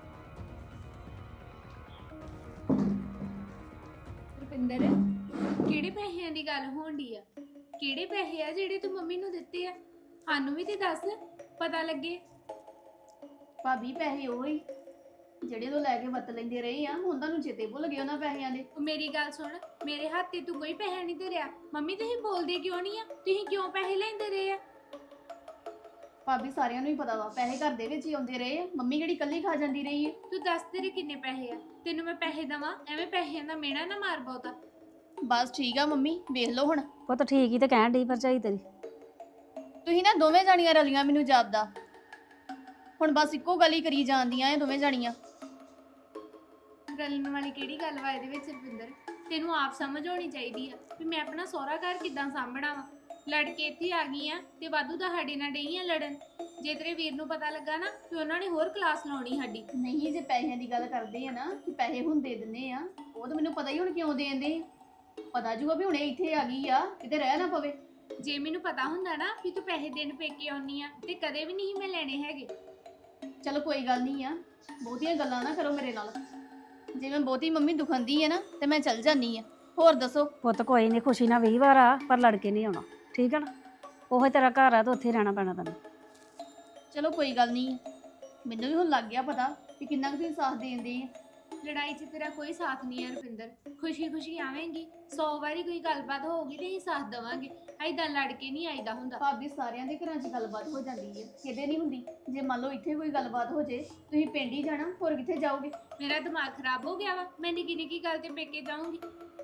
G: ਰੁਪਿੰਦਰ, ਕਿਹੜੇ ਪੈਸਿਆਂ ਦੀ ਗੱਲ ਹੋਣ ਡਈ ਆ? ਕਿਹੜੇ ਪੈਸੇ ਆ ਜਿਹੜੇ ਤੂੰ ਮੰਮੀ ਨੂੰ ਦਿੱਤੇ ਆ? ਸਾਨੂੰ ਵੀ ਤੇ ਦੱਸ, ਪਤਾ ਲੱਗੇ।
C: ਭਾਬੀ ਪੈਸੇ ਉਹ ਹੀ ਜਿਹੜੇ ਤੋਂ ਲੈ ਕੇ ਵਰਤ ਲੈਂਦੇ ਰਹੇ ਆ, ਹੁਣ ਤੁਹਾਨੂੰ ਚੇਤੇ ਭੁੱਲ ਗਏ ਉਹਨਾਂ ਪੈਸਿਆਂ ਦੇ।
G: ਮੇਰੀ ਗੱਲ ਸੁਣ, ਮੇਰੇ ਹੱਥ ਤੇ ਤੂੰ ਕੋਈ ਪੈਸਾ ਨਹੀਂ ਧਰਿਆ। ਮੰਮੀ ਤੁਸੀਂ ਬੋਲਦੇ ਕਿਉਂ ਨਹੀਂ ਆ? ਤੁਸੀਂ ਕਿਉਂ ਪੈਸੇ ਲੈਂਦੇ ਰਹੇ ਆ?
C: ਭਾਬੀ ਸਾਰਿਆਂ ਨੂੰ ਹੀ ਪਤਾ ਵਾ, ਪੈਸੇ ਘਰ ਦੇ ਵਿੱਚ ਹੀ ਆਉਂਦੇ ਰਹੇ ਆ। ਮੰਮੀ ਕਿਹੜੀ ਇਕੱਲੀ ਖਾ ਜਾਂਦੀ ਰਹੀ ਹੈ?
G: ਤੂੰ ਦੱਸ ਤੇਰੇ ਕਿੰਨੇ ਪੈਸੇ ਆ? ਤੈਨੂੰ ਮੈਂ ਪੈਸੇ ਦਵਾਂ? ਐਵੇਂ ਪੈਸਿਆਂ ਦਾ ਮੇਣਾ ਨਾ ਮਾਰ ਬਹੁਤਾ।
C: ਬਸ ਠੀਕ ਆ ਮੰਮੀ, ਵੇਖ ਲਓ ਹੁਣ।
H: ਪੁੱਤ ਠੀਕ ਹੀ ਤੇ ਕਹਿਣ ਡਈ ਭਰਜਾਈ ਤੇਰੀ।
C: ਤੁਸੀਂ ਨਾ ਦੋਵੇਂ ਜਾਣੀਆਂ ਰਲੀਆਂ ਮੈਨੂੰ ਜਾਪਦਾ, ਹੁਣ ਬਸ ਇੱਕੋ ਗੱਲ ਹੀ ਕਰੀ ਜਾਂਦੀਆਂ ਇਹ ਦੋਵੇਂ ਜਾਣੀਆਂ।
G: ਰਲਣ ਵਾਲੀ ਕਿਹੜੀ ਗੱਲ ਵਾ ਇਹਦੇ ਵਿੱਚ ਰਵਿੰਦਰ? ਤੈਨੂੰ ਆਪ ਸਮਝ ਆਉਣੀ ਚਾਹੀਦੀ ਆ ਵੀ ਮੈਂ ਆਪਣਾ ਸਹੁਰਾ ਘਰ ਕਿੱਦਾਂ ਸਾਂਭਣਾ ਵਾ। ਲੜ ਕੇ ਇੱਥੇ ਆ ਗਈ ਆ ਤੇ ਵਾਧੂ ਦਾ ਸਾਡੇ ਨਾਲ ਡਈ ਆ ਲੜਨ। ਜੇ ਤੇਰੇ ਵੀਰ ਨੂੰ ਪਤਾ ਲੱਗਾ ਨਾ ਤੇ ਉਹਨਾਂ ਨੇ ਹੋਰ ਕਲਾਸ ਲਾਉਣੀ ਸਾਡੀ।
C: ਨਹੀਂ, ਜੇ ਪੈਸਿਆਂ ਦੀ ਗੱਲ ਕਰਦੇ ਆ ਨਾ ਕਿ ਪੈਸੇ ਹੁਣ ਦੇ ਦਿੰਦੇ ਆ, ਉਹ ਤਾਂ ਮੈਨੂੰ ਪਤਾ ਹੀ ਹੁਣ ਕਿਉਂ ਦੇਂਦੇ। ਪਤਾ ਜੂਗਾ ਵੀ ਹੁਣੇ ਇੱਥੇ ਆ ਗਈ ਆ, ਕਿਤੇ ਰਹਿ ਨਾ ਪਵੇ।
G: ਜੇ ਮੈਨੂੰ ਪਤਾ ਹੁੰਦਾ ਨਾ ਵੀ ਤੂੰ ਪੈਸੇ ਦੇਣ ਪੇਕੇ ਆਉਣੀ ਆ ਤੇ ਕਦੇ ਵੀ ਨਹੀਂ ਮੈਂ ਲੈਣੇ ਹੈਗੇ।
C: ਚਲੋ ਕੋਈ ਗੱਲ ਨਹੀਂ ਆ, ਬਹੁਤੀਆਂ ਗੱਲਾਂ ਨਾ ਕਰੋ ਮੇਰੇ ਨਾਲ। ਜੇ ਮੈਂ ਬਹੁਤੀ ਮੰਮੀ ਦੁਖਾਂਦੀ ਆ ਨਾ ਤੇ ਮੈਂ ਚੱਲ ਜਾਨੀ ਆ। ਹੋਰ ਦੱਸੋ?
H: ਪੁੱਤ ਕੋਈ ਨਹੀਂ, ਖੁਸ਼ੀ ਨਾਲ 20 ਵਾਰ ਆ, ਪਰ ਲੜ ਕੇ ਨਹੀਂ ਆਉਣਾ, ਠੀਕ ਹੈ ਨਾ? ਉਹ ਤੇਰਾ ਘਰ ਆ ਤੇ ਉੱਥੇ ਰਹਿਣਾ ਪੈਣਾ ਤੈਨੂੰ।
C: ਚਲੋ ਕੋਈ ਗੱਲ ਨਹੀਂ, ਮੈਨੂੰ ਵੀ ਹੁਣ ਲੱਗ ਗਿਆ ਪਤਾ ਕਿ ਕਿੰਨਾ ਕੁ ਤੁਸੀਂ ਸਾਥ ਦੇਂਦੇ ਆ।
G: ਲੜਾਈ 'ਚ ਤੇਰਾ ਕੋਈ ਸਾਥ ਨਹੀਂ ਹੈ ਰੁਪਿੰਦਰ। ਖੁਸ਼ੀ ਖੁਸ਼ੀ ਆਵੇਂਗੀ, 100 ਵਾਰੀ ਕੋਈ ਗੱਲਬਾਤ ਹੋਊਗੀ ਤੇ ਅਸੀਂ ਸਾਥ ਦੇਵਾਂਗੇ। ਐਦਾਂ ਲੜ ਕੇ ਨਹੀਂ ਆਈਦਾ ਹੁੰਦਾ।
C: ਭਾਬੀ ਸਾਰਿਆਂ ਦੇ ਘਰਾਂ 'ਚ ਗੱਲਬਾਤ ਹੋ ਜਾਂਦੀ ਹੈ, ਕਿਤੇ ਨਹੀਂ ਹੁੰਦੀ। ਜੇ ਮੰਨ ਲਓ ਇੱਥੇ ਕੋਈ ਗੱਲਬਾਤ ਹੋ ਜੇ, ਤੁਸੀਂ ਪਿੰਡ ਹੀ ਜਾਣਾ, ਹੋਰ ਕਿੱਥੇ ਜਾਓਗੇ?
G: ਮੇਰਾ ਦਿਮਾਗ ਖਰਾਬ ਹੋ ਗਿਆ ਵਾ, ਮੈਂ ਨਿੱਕੀ ਨਿੱਕੀ ਗੱਲ ਤੇ ਪੇਕੇ ਜਾਊਂਗੀ।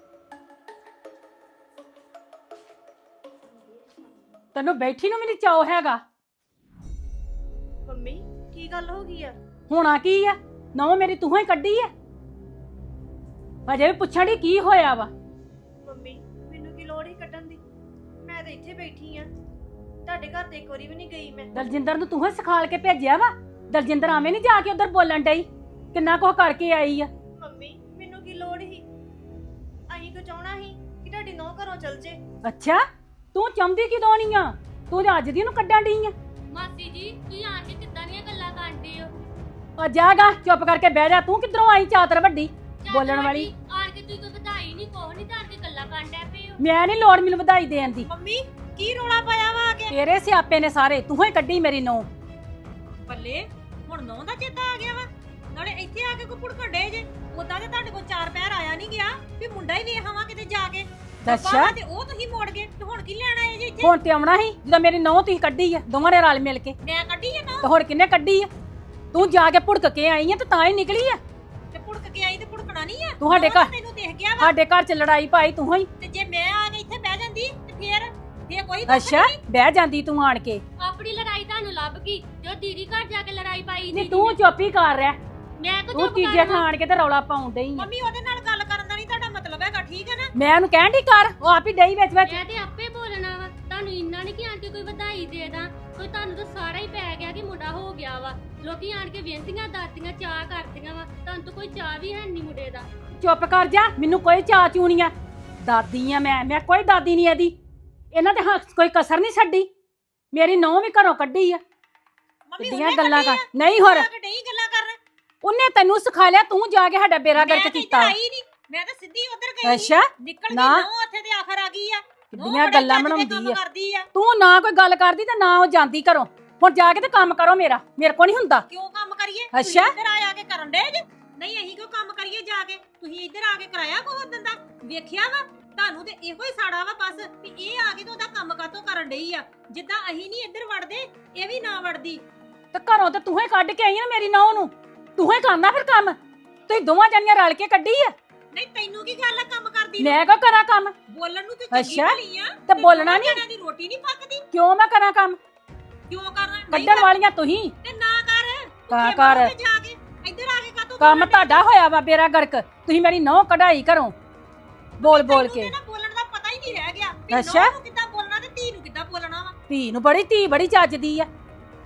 B: ਤੈਨੂੰ ਬੈਠੀ ਨੂੰ ਵੀ ਨਹੀਂ ਚਾਅ ਹੈਗਾ।
F: ਮੰਮੀ ਕੀ ਗੱਲ ਹੋ ਗਈ ਆ?
B: ਹੋਣਾ ਕੀ ਆ? ਨੌ ਮੇਰੀ ਤੂੰ ਹੀ ਕੱਢੀ ਆ। ਅਜੇ ਵੀ ਪੁੱਛਣ ਦੀ ਕੀ ਹੋਇਆ ਵਾ?
F: ਮੰਮੀ ਮੈਨੂੰ ਕੀ ਲੋੜ ਹੀ ਕੱਢਣ ਦੀ? ਮੈਂ ਤਾਂ ਇੱਥੇ ਬੈਠੀ ਆ, ਤੁਹਾਡੇ ਘਰ ਤੇ ਇੱਕ ਵਾਰੀ ਵੀ ਨਹੀਂ ਗਈ ਮੈਂ।
B: ਦਲਜਿੰਦਰ ਨੂੰ ਤੂੰ ਹੀ ਸਿਖਾਲ ਕੇ ਭੇਜਿਆ ਵਾ? ਦਲਜਿੰਦਰ ਆਵੇਂ ਨਹੀਂ ਜਾ ਕੇ ਉਧਰ ਬੋਲਣ ਡਈ, ਕਿੰਨਾ ਕੁਝ ਕਰਕੇ ਆਈ ਆ।
F: ਮੰਮੀ ਮੈਨੂੰ ਕੀ ਲੋੜ ਹੀ? ਅਹੀਂ ਕੋ ਚਾਹਣਾ ਸੀ ਕਿ ਤੁਹਾਡੀ ਨੌ ਘਰੋਂ ਚਲ ਜੇ।
B: ਅੱਛਾ, ਤੂੰ ਚਾਹੁੰਦੀ ਕਿਦੋਂ ਨਹੀਂ ਆ? ਤੂੰ ਤਾਂ ਅੱਜ ਦੀ ਨੂੰ ਕੱਢਣ ਡਈ ਆ।
G: ਮਾਸੀ ਜੀ ਤੁਸੀਂ ਆਣ ਕੇ ਕਿੱਦਾਂ ਦੀਆਂ ਗੱਲਾਂ ਕਰਦੇ ਹੋ?
B: ਆ ਜਾਗਾ, ਚੁੱਪ ਕਰਕੇ ਬਹਿ ਜਾ। ਤੂੰ ਕਿੱਧਰੋਂ ਆਈ ਚਾਤਰ ਵੱਡੀ ਬੋਲਣ ਵਾਲੀ?
G: ਆਣ ਕੇ ਤੁਸੀਂ ਕੋਈ ਵਧਾਈ ਨਹੀਂ, ਕੋਹ ਨਹੀਂ, ਤਾਂ ਆਣ ਕੇ ਗੱਲਾਂ ਕਰਨ ਡੈ ਪਏ ਹੋ।
B: ਮੈਂ ਨਹੀਂ ਲੋੜ ਮੈਨੂੰ ਵਧਾਈ ਦੇਣ ਦੀ।
A: ਮੰਮੀ ਕੀ ਰੋਲਾ ਪਾਇਆ ਵਾ ਆ ਕੇ?
B: ਤੇਰੇ ਸਿਆਪੇ ਨੇ ਸਾਰੇ, ਤੂੰ ਹੀ ਕੱਢੀ ਮੇਰੀ ਨੌ।
A: ਬੱਲੇ ਹੁਣ ਨੌ ਦਾ ਚੇਤਾ ਆ ਗਿਆ ਵਾ। ਨਾਲੇ ਇੱਥੇ ਆ ਕੇ ਕੋ ਭੁੜਕਣ ਡੇ ਜੇ। ਉਦਾਂ ਤੇ ਤੁਹਾਡੇ ਕੋਲ 4 ਪੈਰ ਆਇਆ ਨਹੀਂ ਗਿਆ ਵੀ ਮੁੰਡਾ ਹੀ ਵੇਖ ਆਵਾਂ ਕਿਤੇ ਜਾ ਕੇ।
B: ਅੱਛਾ,
A: ਤੇ ਉਹ ਤੁਸੀਂ ਮੋੜ ਗਏ ਤੇ ਹੁਣ ਕੀ ਲੈਣ ਆਏ ਜੇ ਇੱਥੇ?
B: ਹੁਣ ਤੇ ਆਉਣਾ ਸੀ ਜਦੋਂ ਮੇਰੀ ਨੌ ਤੁਸੀਂ ਕੱਢੀ ਆ, ਦੋਵਾਂ ਨੇ ਰਲ ਮਿਲ ਕੇ।
A: ਮੈਂ ਕੱਢੀ ਆ ਨਾ
B: ਤੇ ਹੁਣ ਕਿੰਨੇ ਕੱਢੀ ਆ? ਤੂੰ ਜਾ ਕੇ ਭੁੜਕ ਕੇ ਆਈ ਆ ਤੇ ਤਾਂ ਹੀ ਨਿਕਲੀ ਆ।
A: ਤੇ ਭੁੜਕ ਕੇ ਆਈ ਤੇ ਭੁੜਕਣਾ ਨਹੀਂ ਆ।
B: ਤੂੰ ਸਾਡੇ
A: ਉਹ ਤਾਂ
B: ਘਰ-
A: ਤੈਨੂੰ ਦੇਖ ਗਿਆ ਵਾ।
B: ਸਾਡੇ ਘਰ ਚ ਲੜਾਈ ਪਾਈ ਤੂੰ ਹੀ।
A: ਤੇ ਜੇ ਮੈਂ ਆ ਕੇ ਇੱਥੇ ਬਹਿ ਜਾਂਦੀ ਤੇ ਫੇਰ ਕੋਈ
B: ਅੱਛਾ, ਬਹਿ ਜਾਂਦੀ ਤੂੰ ਆਣ ਕੇ।
G: ਆਪਣੀ ਲੜਾਈ ਤੁਹਾਨੂੰ ਲੱਭ ਗਈ ਜੋ ਦੀਦੀ ਘਰ ਜਾ ਕੇ ਲੜਾਈ ਪਾਈ
B: ਨਹੀਂ ਤੂੰ ਚੁੱਪ ਹੀ ਕਰ ਰਿਹਾ।
G: ਮੈਂ ਕੋ
B: ਤੂੰ ਤੀਜੇ ਥਾਂ ਆਣ ਕੇ ਤੇ ਰੌਲਾ ਪਾਉਣ ਡਈ ਆ।
A: ਮੰਮੀ ਉਹਦੇ ਨਾਲ ਗੱਲ ਕਰਨ ਦਾ ਨਹੀਂ ਤੁਹਾਡਾ ਮਤਲਬ ਹੈਗਾ, ਠੀਕ ਹੈ ਨਾ?
B: ਮੈਂ ਉਹਨੂੰ ਕਹਿਣ ਡਈ ਕਰ, ਉਹ ਆਪ ਹੀ ਡਈ ਵਿੱਚ ਵਿੱਚ।
G: ਮੈਂ ਤੇ ਆਪੇ ਬੋਲਣਾ ਵਾ, ਤੁਹਾਨੂੰ ਇੰਨਾ ਨਹੀਂ ਕਿ ਆਣ ਕੇ ਕੋਈ ਵਧਾਈ ਦੇ ਦਾਂ। ਕੋਈ ਤੁਹਾਨੂੰ ਤਾਂ ਸਾਰਾ ਹੀ ਪੈ ਗਿਆ ਕਿ ਮੁੰਡਾ ਹੋ ਗਿਆ ਵਾ। ਲੋਕੀ ਆਣ ਕੇ ਬੇਨਤੀਆਂ ਦਾਤੀਆਂ ਚਾਹ ਕਰਦੀਆਂ ਵਾ, ਤੁਹਾਨੂੰ ਤਾਂ ਕੋਈ ਚਾਹ ਵੀ ਹੈ ਨਹੀਂ ਮੁੰਡੇ ਦਾ।
B: ਚੁੱਪ ਕਰ ਜਾ, ਮੈਨੂੰ ਕੋਈ ਚਾਅ ਚੂਣੀ ਆ। ਦਾਦੀ ਆ ਮੈਂ ਕੋਈ ਦਾਦੀ ਨਹੀਂ ਇਹਦੀ। ਇਹਨਾਂ ਦੇ ਹੱਥ ਕੋਈ ਕਸਰ ਨਹੀਂ ਛੱਡੀ। ਮੇਰੀ ਨੌਂ ਵੀ ਘਰੋਂ ਕੱਢੀ ਆ।
A: ਮੰਮੀ
B: ਕਿੱਡੀਆਂ
A: ਉਹਨੇ
B: ਗੱਲਾਂ
A: ਕੱਢੀ
B: ਕਰ,
A: ਆ,
B: ਨਹੀਂ ਹੋਰ
A: ਆ ਕੇ ਡਈ ਗੱਲਾਂ ਕਰਨ।
B: ਉਹਨੇ ਤੈਨੂੰ ਸਿਖਾ ਲਿਆ, ਤੂੰ ਜਾ ਕੇ ਸਾਡਾ ਬੇੜਾ
A: ਮੈਂ
B: ਗਰਕ
A: ਤੇ
B: ਕੀਤਾ।
A: ਇੱਧਰ ਆਈ ਨਹੀਂ, ਮੈਂ ਤਾਂ ਸਿੱਧੀ ਉਧਰ ਗਈ।
B: ਅੱਛਾ,
A: ਨਿਕਲ ਗਈ
B: ਨਾ।
A: ਨੌ ਉੱਥੇ ਤੇ ਆਖਰ ਆ ਗਈ ਆ।
B: ਕਿੱਡੀਆਂ ਗੱਲਾਂ ਬਣਾਉਂਦੀ ਆ।
A: ਕਰਦੀ ਆ।
B: ਤੂੰ ਨਾ ਕੋਈ ਗੱਲ ਕਰਦੀ ਤੇ ਨਾ ਉਹ ਜਾਂਦੀ ਘਰੋਂ। ਹੁਣ ਜਾ ਕੇ ਤੇ ਕੰਮ ਕਰੋ ਮੇਰਾ, ਮੇਰੇ ਕੋ ਨਹੀਂ ਹੁੰਦਾ।
A: ਕਿਉਂ ਕੰਮ ਕਰੀਏ?
B: ਅੱਛਾ।
A: ਤੁਸੀਂ ਇੱਧਰ ਆ ਕੇ ਕਰਨ ਡੇ ਜੇ। ਨਹੀਂ ਅਸੀਂ ਕਿਉਂ ਕੰਮ ਕਰੀਏ ਜਾ ਕੇ? ਤੁਸੀਂ ਇੱਧਰ ਆ ਕੇ ਕਰਾਇਆ ਕੋ ਉਦੋਂ ਦਾ? ਵੇਖਿਆ ਵਾ ਤੁਹਾਨੂੰ ਤੇ ਇਹੋ ਹੀ ਸਾੜਾ ਵਾ ਬਸ ਵੀ ਇਹ ਆ ਕੇ ਤੇ ਉਹਦਾ ਕੰਮ ਕਾਤੋਂ ਕਰਨ ਡਈ ਆ। ਜਿੱਦਾਂ ਅਸੀਂ ਨਹੀਂ ਇੱਧਰ ਵੜਦੇ, ਇਹ ਵੀ ਨਾ ਵੜਦੀ।
B: ਤੇ ਘਰੋਂ ਤੇ ਤੂੰ ਹੀ ਕੱਢ ਕੇ ਆਈ ਨਾ ਮੇਰੀ ਨੌਂ ਨੂੰ। ਤੂੰ ਹੀ ਕਰਨਾ ਫਿਰ ਕੰਮ। ਤੁਸੀਂ ਦੋਵਾਂ ਜਾਨੀਆਂ ਰਲ ਕੇ ਕੱਢੀ ਆ।
A: ਨਹੀਂ ਤੈਨੂੰ ਕੀ ਗੱਲ ਆ ਕੰਮ ਕਰਦੀ ਨੂੰ?
B: ਮੈਂ ਕਿਉਂ ਕਰਾਂ ਕੰਮ?
A: ਬੋਲਣ ਨੂੰ ਤੇ ਚੰਗੀ
B: ਅੱਛਾ,
A: ਭਲੀ ਆ।
B: ਤੇ ਬੋਲਣਾ ਨੀ?
A: ਜਣਿਆਂ ਦੀ ਰੋਟੀ ਨਹੀਂ ਪੱਕਦੀ।
B: ਕਿਉਂ ਮੈਂ ਕਰਾਂ ਕੰਮ?
A: ਕਿਉਂ ਕਰਨਾ? ਨਹੀਂ
B: ਕੱਢਣ ਵਾਲੀਆਂ ਤੁਸੀਂ।
A: ਤੇ ਨਾ ਕਰ।
B: ਤਾਂ
A: ਭੁੱਖੇ
B: ਕਰ।
A: ਮਰੋ ਤੇ ਜਾ ਕੇ ਇੱਧਰ ਆ ਕੇ ਕਾਤੋਂ
B: ਕੰਮ ਤੁਹਾਡਾ ਹੋਇਆ ਵਾ ਬੇੜਾ ਗਰਕ। ਤੁਸੀਂ ਮੇਰੀ ਨੌਂ ਕਢਾਈ ਘਰੋਂ ਬੋਲ ਬੋਲ ਕੇ।
A: ਨਾ ਬੋਲਣ ਦਾ ਪਤਾ ਹੀ ਨਹੀਂ ਰਹਿ ਗਿਆ ਵੀ
B: ਅੱਛਾ।
A: ਨੂੰਹ ਨੂੰ ਕਿੱਦਾਂ ਬੋਲਣਾ ਤੇ ਧੀ ਨੂੰ ਕਿੱਦਾਂ ਬੋਲਣਾ ਵਾ।
B: ਧੀ ਨੂੰ ਬੜੀ ਚੱਜਦੀ ਆ।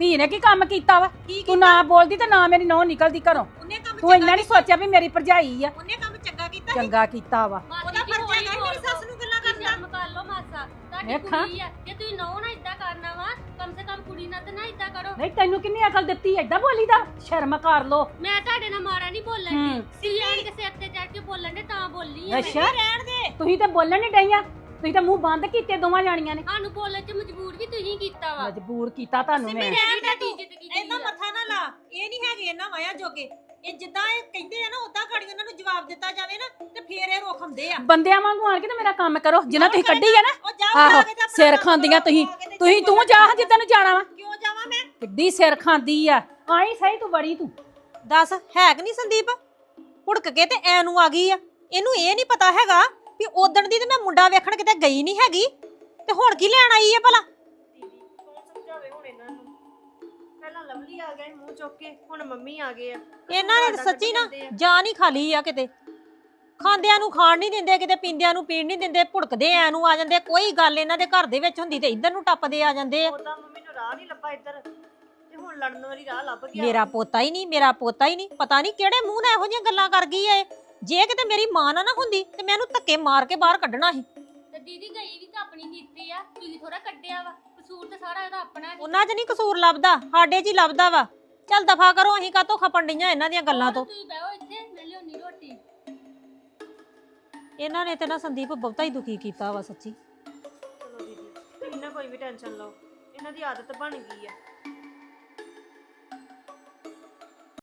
B: ਧੀ ਨੇ ਕੀ ਕੰਮ ਕੀਤਾ ਵਾ
A: ਕੀ
B: ਤੂੰ ਨਾ ਬੋਲਦੀ ਤੇ ਨਾ ਮੇਰੀ ਨੌਂ ਨਿਕਲਦੀ ਘਰੋਂ
A: ਉਹਨੇ ਕੰਮ
B: ਤੂੰ ਇੰਨਾ ਨਹੀਂ ਸੋਚਿਆ ਵੀ ਮੇਰੀ ਭਰਜਾਈ ਆ
A: ਉਹਨੇ ਕੰਮ ਚੰਗਾ ਕੀਤਾ
B: ਚੰਗਾ ਕੀਤਾ ਵਾ
A: ਉਹਦਾ ਫਰਜ਼ ਹੈਗਾ ਮੇਰੀ ਸੱਸ ਨੂੰ ਗੱਲਾਂ ਕਰਦਾ
D: ਸ਼ਰਮ ਕਰ ਲਓ ਮਾਸਾ ਤੁਹਾਡੀ
B: ਵੇਖਾਂ।
D: ਕੁੜੀ ਆ ਜੇ ਤੁਸੀਂ ਨੌ ਨਾ ਇਦਾਂ ਕਰਨਾ ਵਾ ਕਮ ਸੇ ਕਮ ਕੁੜੀ ਨਾਲ ਤਾਂ ਨਾ ਇਦਾਂ ਕਰੋ
B: ਨਹੀਂ ਤੈਨੂੰ ਕਿੰਨੀ ਅਕਲ ਦਿੱਤੀ ਏਦਾਂ ਬੋਲੀਦਾ ਸ਼ਰਮ ਕਰ ਲੋ
D: ਮੈਂ ਤੁਹਾਡੇ ਨਾਲ ਮਾਰਾ ਨਹੀਂ ਬੋਲਣ
B: ਹੂੰ।
D: ਦੀ ਸਿੱਧੀ ਕੇ ਸਿਰ ਤੇ ਚੜ ਕੇ ਬੋਲਣ ਦੇ ਤਾਂ ਬੋਲੀ ਆ ਮੈਂ।
B: ਅੱਛਾ
A: ਰਹਿਣ ਦੇ
B: ਤੁਸੀਂ ਤਾਂ ਬੋਲਣ ਨਹੀਂ ਡਈਆਂ ਤੁਸੀਂ ਤਾਂ ਮੂੰਹ ਬੰਦ ਕੀਤੇ ਦੋਵਾਂ ਜਾਣੀਆਂ ਨੇ
D: ਸਾਨੂੰ ਬੋਲਣ 'ਚ ਮਜਬੂਰ ਵੀ ਤੁਸੀਂ ਕੀਤਾ ਵਾ
B: ਮਜਬੂਰ ਕੀਤਾ ਤੁਹਾਨੂੰ ਮੈਂ
A: ਰਹਿਣ ਦੇ
D: ਤੁਹਾਡੀ
A: ਤੂੰ
D: ਇੱਜ਼ਤ ਕੀਤੀ
A: ਇਹਨਾਂ
D: ਆ।
A: ਮੱਥਾ ਨਾ ਲਾ ਇਹ ਨਹੀਂ ਹੈਗੇ ਇਹਨਾਂ ਮਾਇਆ ਜੋਗੇ ਇਹ ਜਿੱਦਾਂ ਇਹ ਕਹਿੰਦੇ ਆ ਨਾ ਉਦਾਂ ਘੜੀ ਉਹਨਾਂ ਨੂੰ ਜਵਾਬ ਦਿੱਤਾ ਜਾਵੇ ਨਾ ਤੇ ਫੇਰ ਇਹ ਰੋਕ ਹੁੰਦੇ ਆ
B: ਬੰਦਿਆਂ ਵਾਂਗੂ ਆਣ ਕੇ ਤੇ ਮੇਰਾ ਕੰਮ ਕਰੋ ਜਿੰਨਾ ਤੁਸੀਂ ਕੱਢੀ ਆ ਨਾ
A: ਉਹ ਜਾਓ
B: ਆਹੋ
A: ਜਾ ਕੇ ਤੇ ਆਪਣਾ
B: ਸਿਰ
A: ਕੰਮ
B: ਖਾਂਦੀਆਂ
A: ਕਰੋ,
B: ਤੁਸੀਂ
A: ਆ ਕੇ ਤੇ
B: ਤੁਸੀਂ ਤੂੰ ਜਾ ਜਿੱਦਾਂ ਨੂੰ ਜਾਣਾ ਵਾ
A: ਕਿਉਂ ਜਾਵਾਂ ਮੈਂ
B: ਕਿੱਡੀ ਸਿਰ ਖਾਂਦੀ ਆ ਆਈ ਸਹੀ ਤੂੰ ਬੜੀ ਤੂੰ
A: ਦੱਸ ਹੈ ਕਿ ਨਹੀਂ ਸੰਦੀਪ ਭੁੜਕ ਕੇ ਤੇ ਐ ਨੂੰ ਆ ਗਈ ਆ ਇਹਨੂੰ ਇਹ ਨਹੀਂ ਪਤਾ ਹੈਗਾ ਵੀ ਉਦਣ ਦੀ ਤੇ ਮੈਂ ਮੁੰਡਾ ਵੇਖਣ ਕਿਤੇ ਗਈ ਨਹੀਂ ਹੈਗੀ ਤੇ ਹੁਣ ਕੀ ਲੈਣ ਆਈ ਹੈ ਭਲਾ
F: ਦੀਦੀ ਕੌਣ ਸਮਝਾਵੇ ਹੁਣ ਇਹਨਾਂ ਨੂੰ ਪਹਿਲਾਂ ਲਵਲੀ ਆ ਗਿਆ ਸੀ ਮੂੰਹ ਚੁੱਕ ਕੇ ਹੁਣ ਮੰਮੀ ਆ ਗਏ ਆ
A: ਇਹਨਾਂ ਨੇ ਤਾਂ ਸੱਚੀ ਨਾ ਜਾਨ ਹੀ ਖਾਲੀ ਆ ਕਿਤੇ ਖਾਂਦਿਆਂ ਨੂੰ ਖਾਣ ਨਹੀਂ ਦਿੰਦੇ ਕਿਤੇ ਪੀਂਦਿਆਂ ਨੂੰ ਪੀਣ ਨਹੀਂ ਦਿੰਦੇ ਭੁੜਕਦੇ ਐ ਨੂੰ ਆ ਜਾਂਦੇ ਕੋਈ ਗੱਲ ਇਹਨਾਂ ਦੇ ਘਰ ਦੇ ਵਿੱਚ ਹੁੰਦੀ ਤੇ ਇੱਧਰ ਨੂੰ ਟੱਪਦੇ ਆ ਜਾਂਦੇ ਆ
F: ਉਦਾਂ ਮੰਮੀ ਨੂੰ ਰਾਹ ਨਹੀਂ ਲੱਭਾ ਇੱਧਰ ਤੇ ਹੁਣ ਲੜਨ ਵਾਲੀ ਰਾਹ ਲੱਭ ਗਿਆ
A: ਮੇਰਾ ਪੋਤਾ ਹੀ ਨਹੀਂ ਮੇਰਾ ਪੋਤਾ ਹੀ ਨਹੀਂ ਪਤਾ ਨਹੀਂ ਕਿਹੜੇ ਮੂੰਹ ਨਾਲ ਇਹੋ ਜਿਹੀਆਂ ਗੱਲਾਂ ਕਰ ਗਈ ਏ ਜੇ ਕਿਤੇ ਮੇਰੀ ਮਾਂ ਨਾ ਹੁੰਦੀ ਤੇ ਮੈਂ ਇਹਨੂੰ ਧੱਕੇ ਮਾਰ ਕੇ ਬਾਹਰ ਕੱਢਣਾ ਸੀ
D: ਤੇ ਦੀਦੀ ਗਈ ਵੀ ਤਾਂ ਆਪਣੀ ਕੀਤੀ ਆ ਤੁਸੀਂ ਥੋੜਾ ਕੱਢਿਆ ਵਾ ਕਸੂਰ ਤਾਂ ਸਾਰਾ ਇਹਦਾ ਆਪਣਾ ਨੀ।
A: ਉਹਨਾਂ 'ਚ ਨਹੀਂ ਕਸੂਰ ਲੱਭਦਾ ਸਾਡੇ 'ਚ ਹੀ ਲੱਭਦਾ ਵਾ ਚੱਲ ਦਫਾ ਕਰੋ ਅਸੀਂ ਕਾਹਤੋਂ ਖਪਣ ਡਈਆਂ ਇਹਨਾਂ ਦੀਆਂ ਗੱਲਾਂ ਤੋਂ
D: ਤੁਸੀਂ ਬਹਿਓ ਇੱਥੇ ਮੈਂ ਲਿਆਉਣੀ ਰੋਟੀ
A: ਇਹਨਾਂ ਨੇ ਤੇ ਨਾ ਸੰਦੀਪ ਬਹੁਤਾ ਹੀ ਦੁਖੀ ਕੀਤਾ ਵਾ ਸੱਚੀ
F: ਚਲੋ ਦੀਦੀ ਤੁਸੀਂ ਨਾ ਕੋਈ ਵੀ ਟੈਨਸ਼ਨ ਲਓ ਇਹਨਾਂ ਦੀ ਆਦਤ ਬਣ ਗਈ ਆ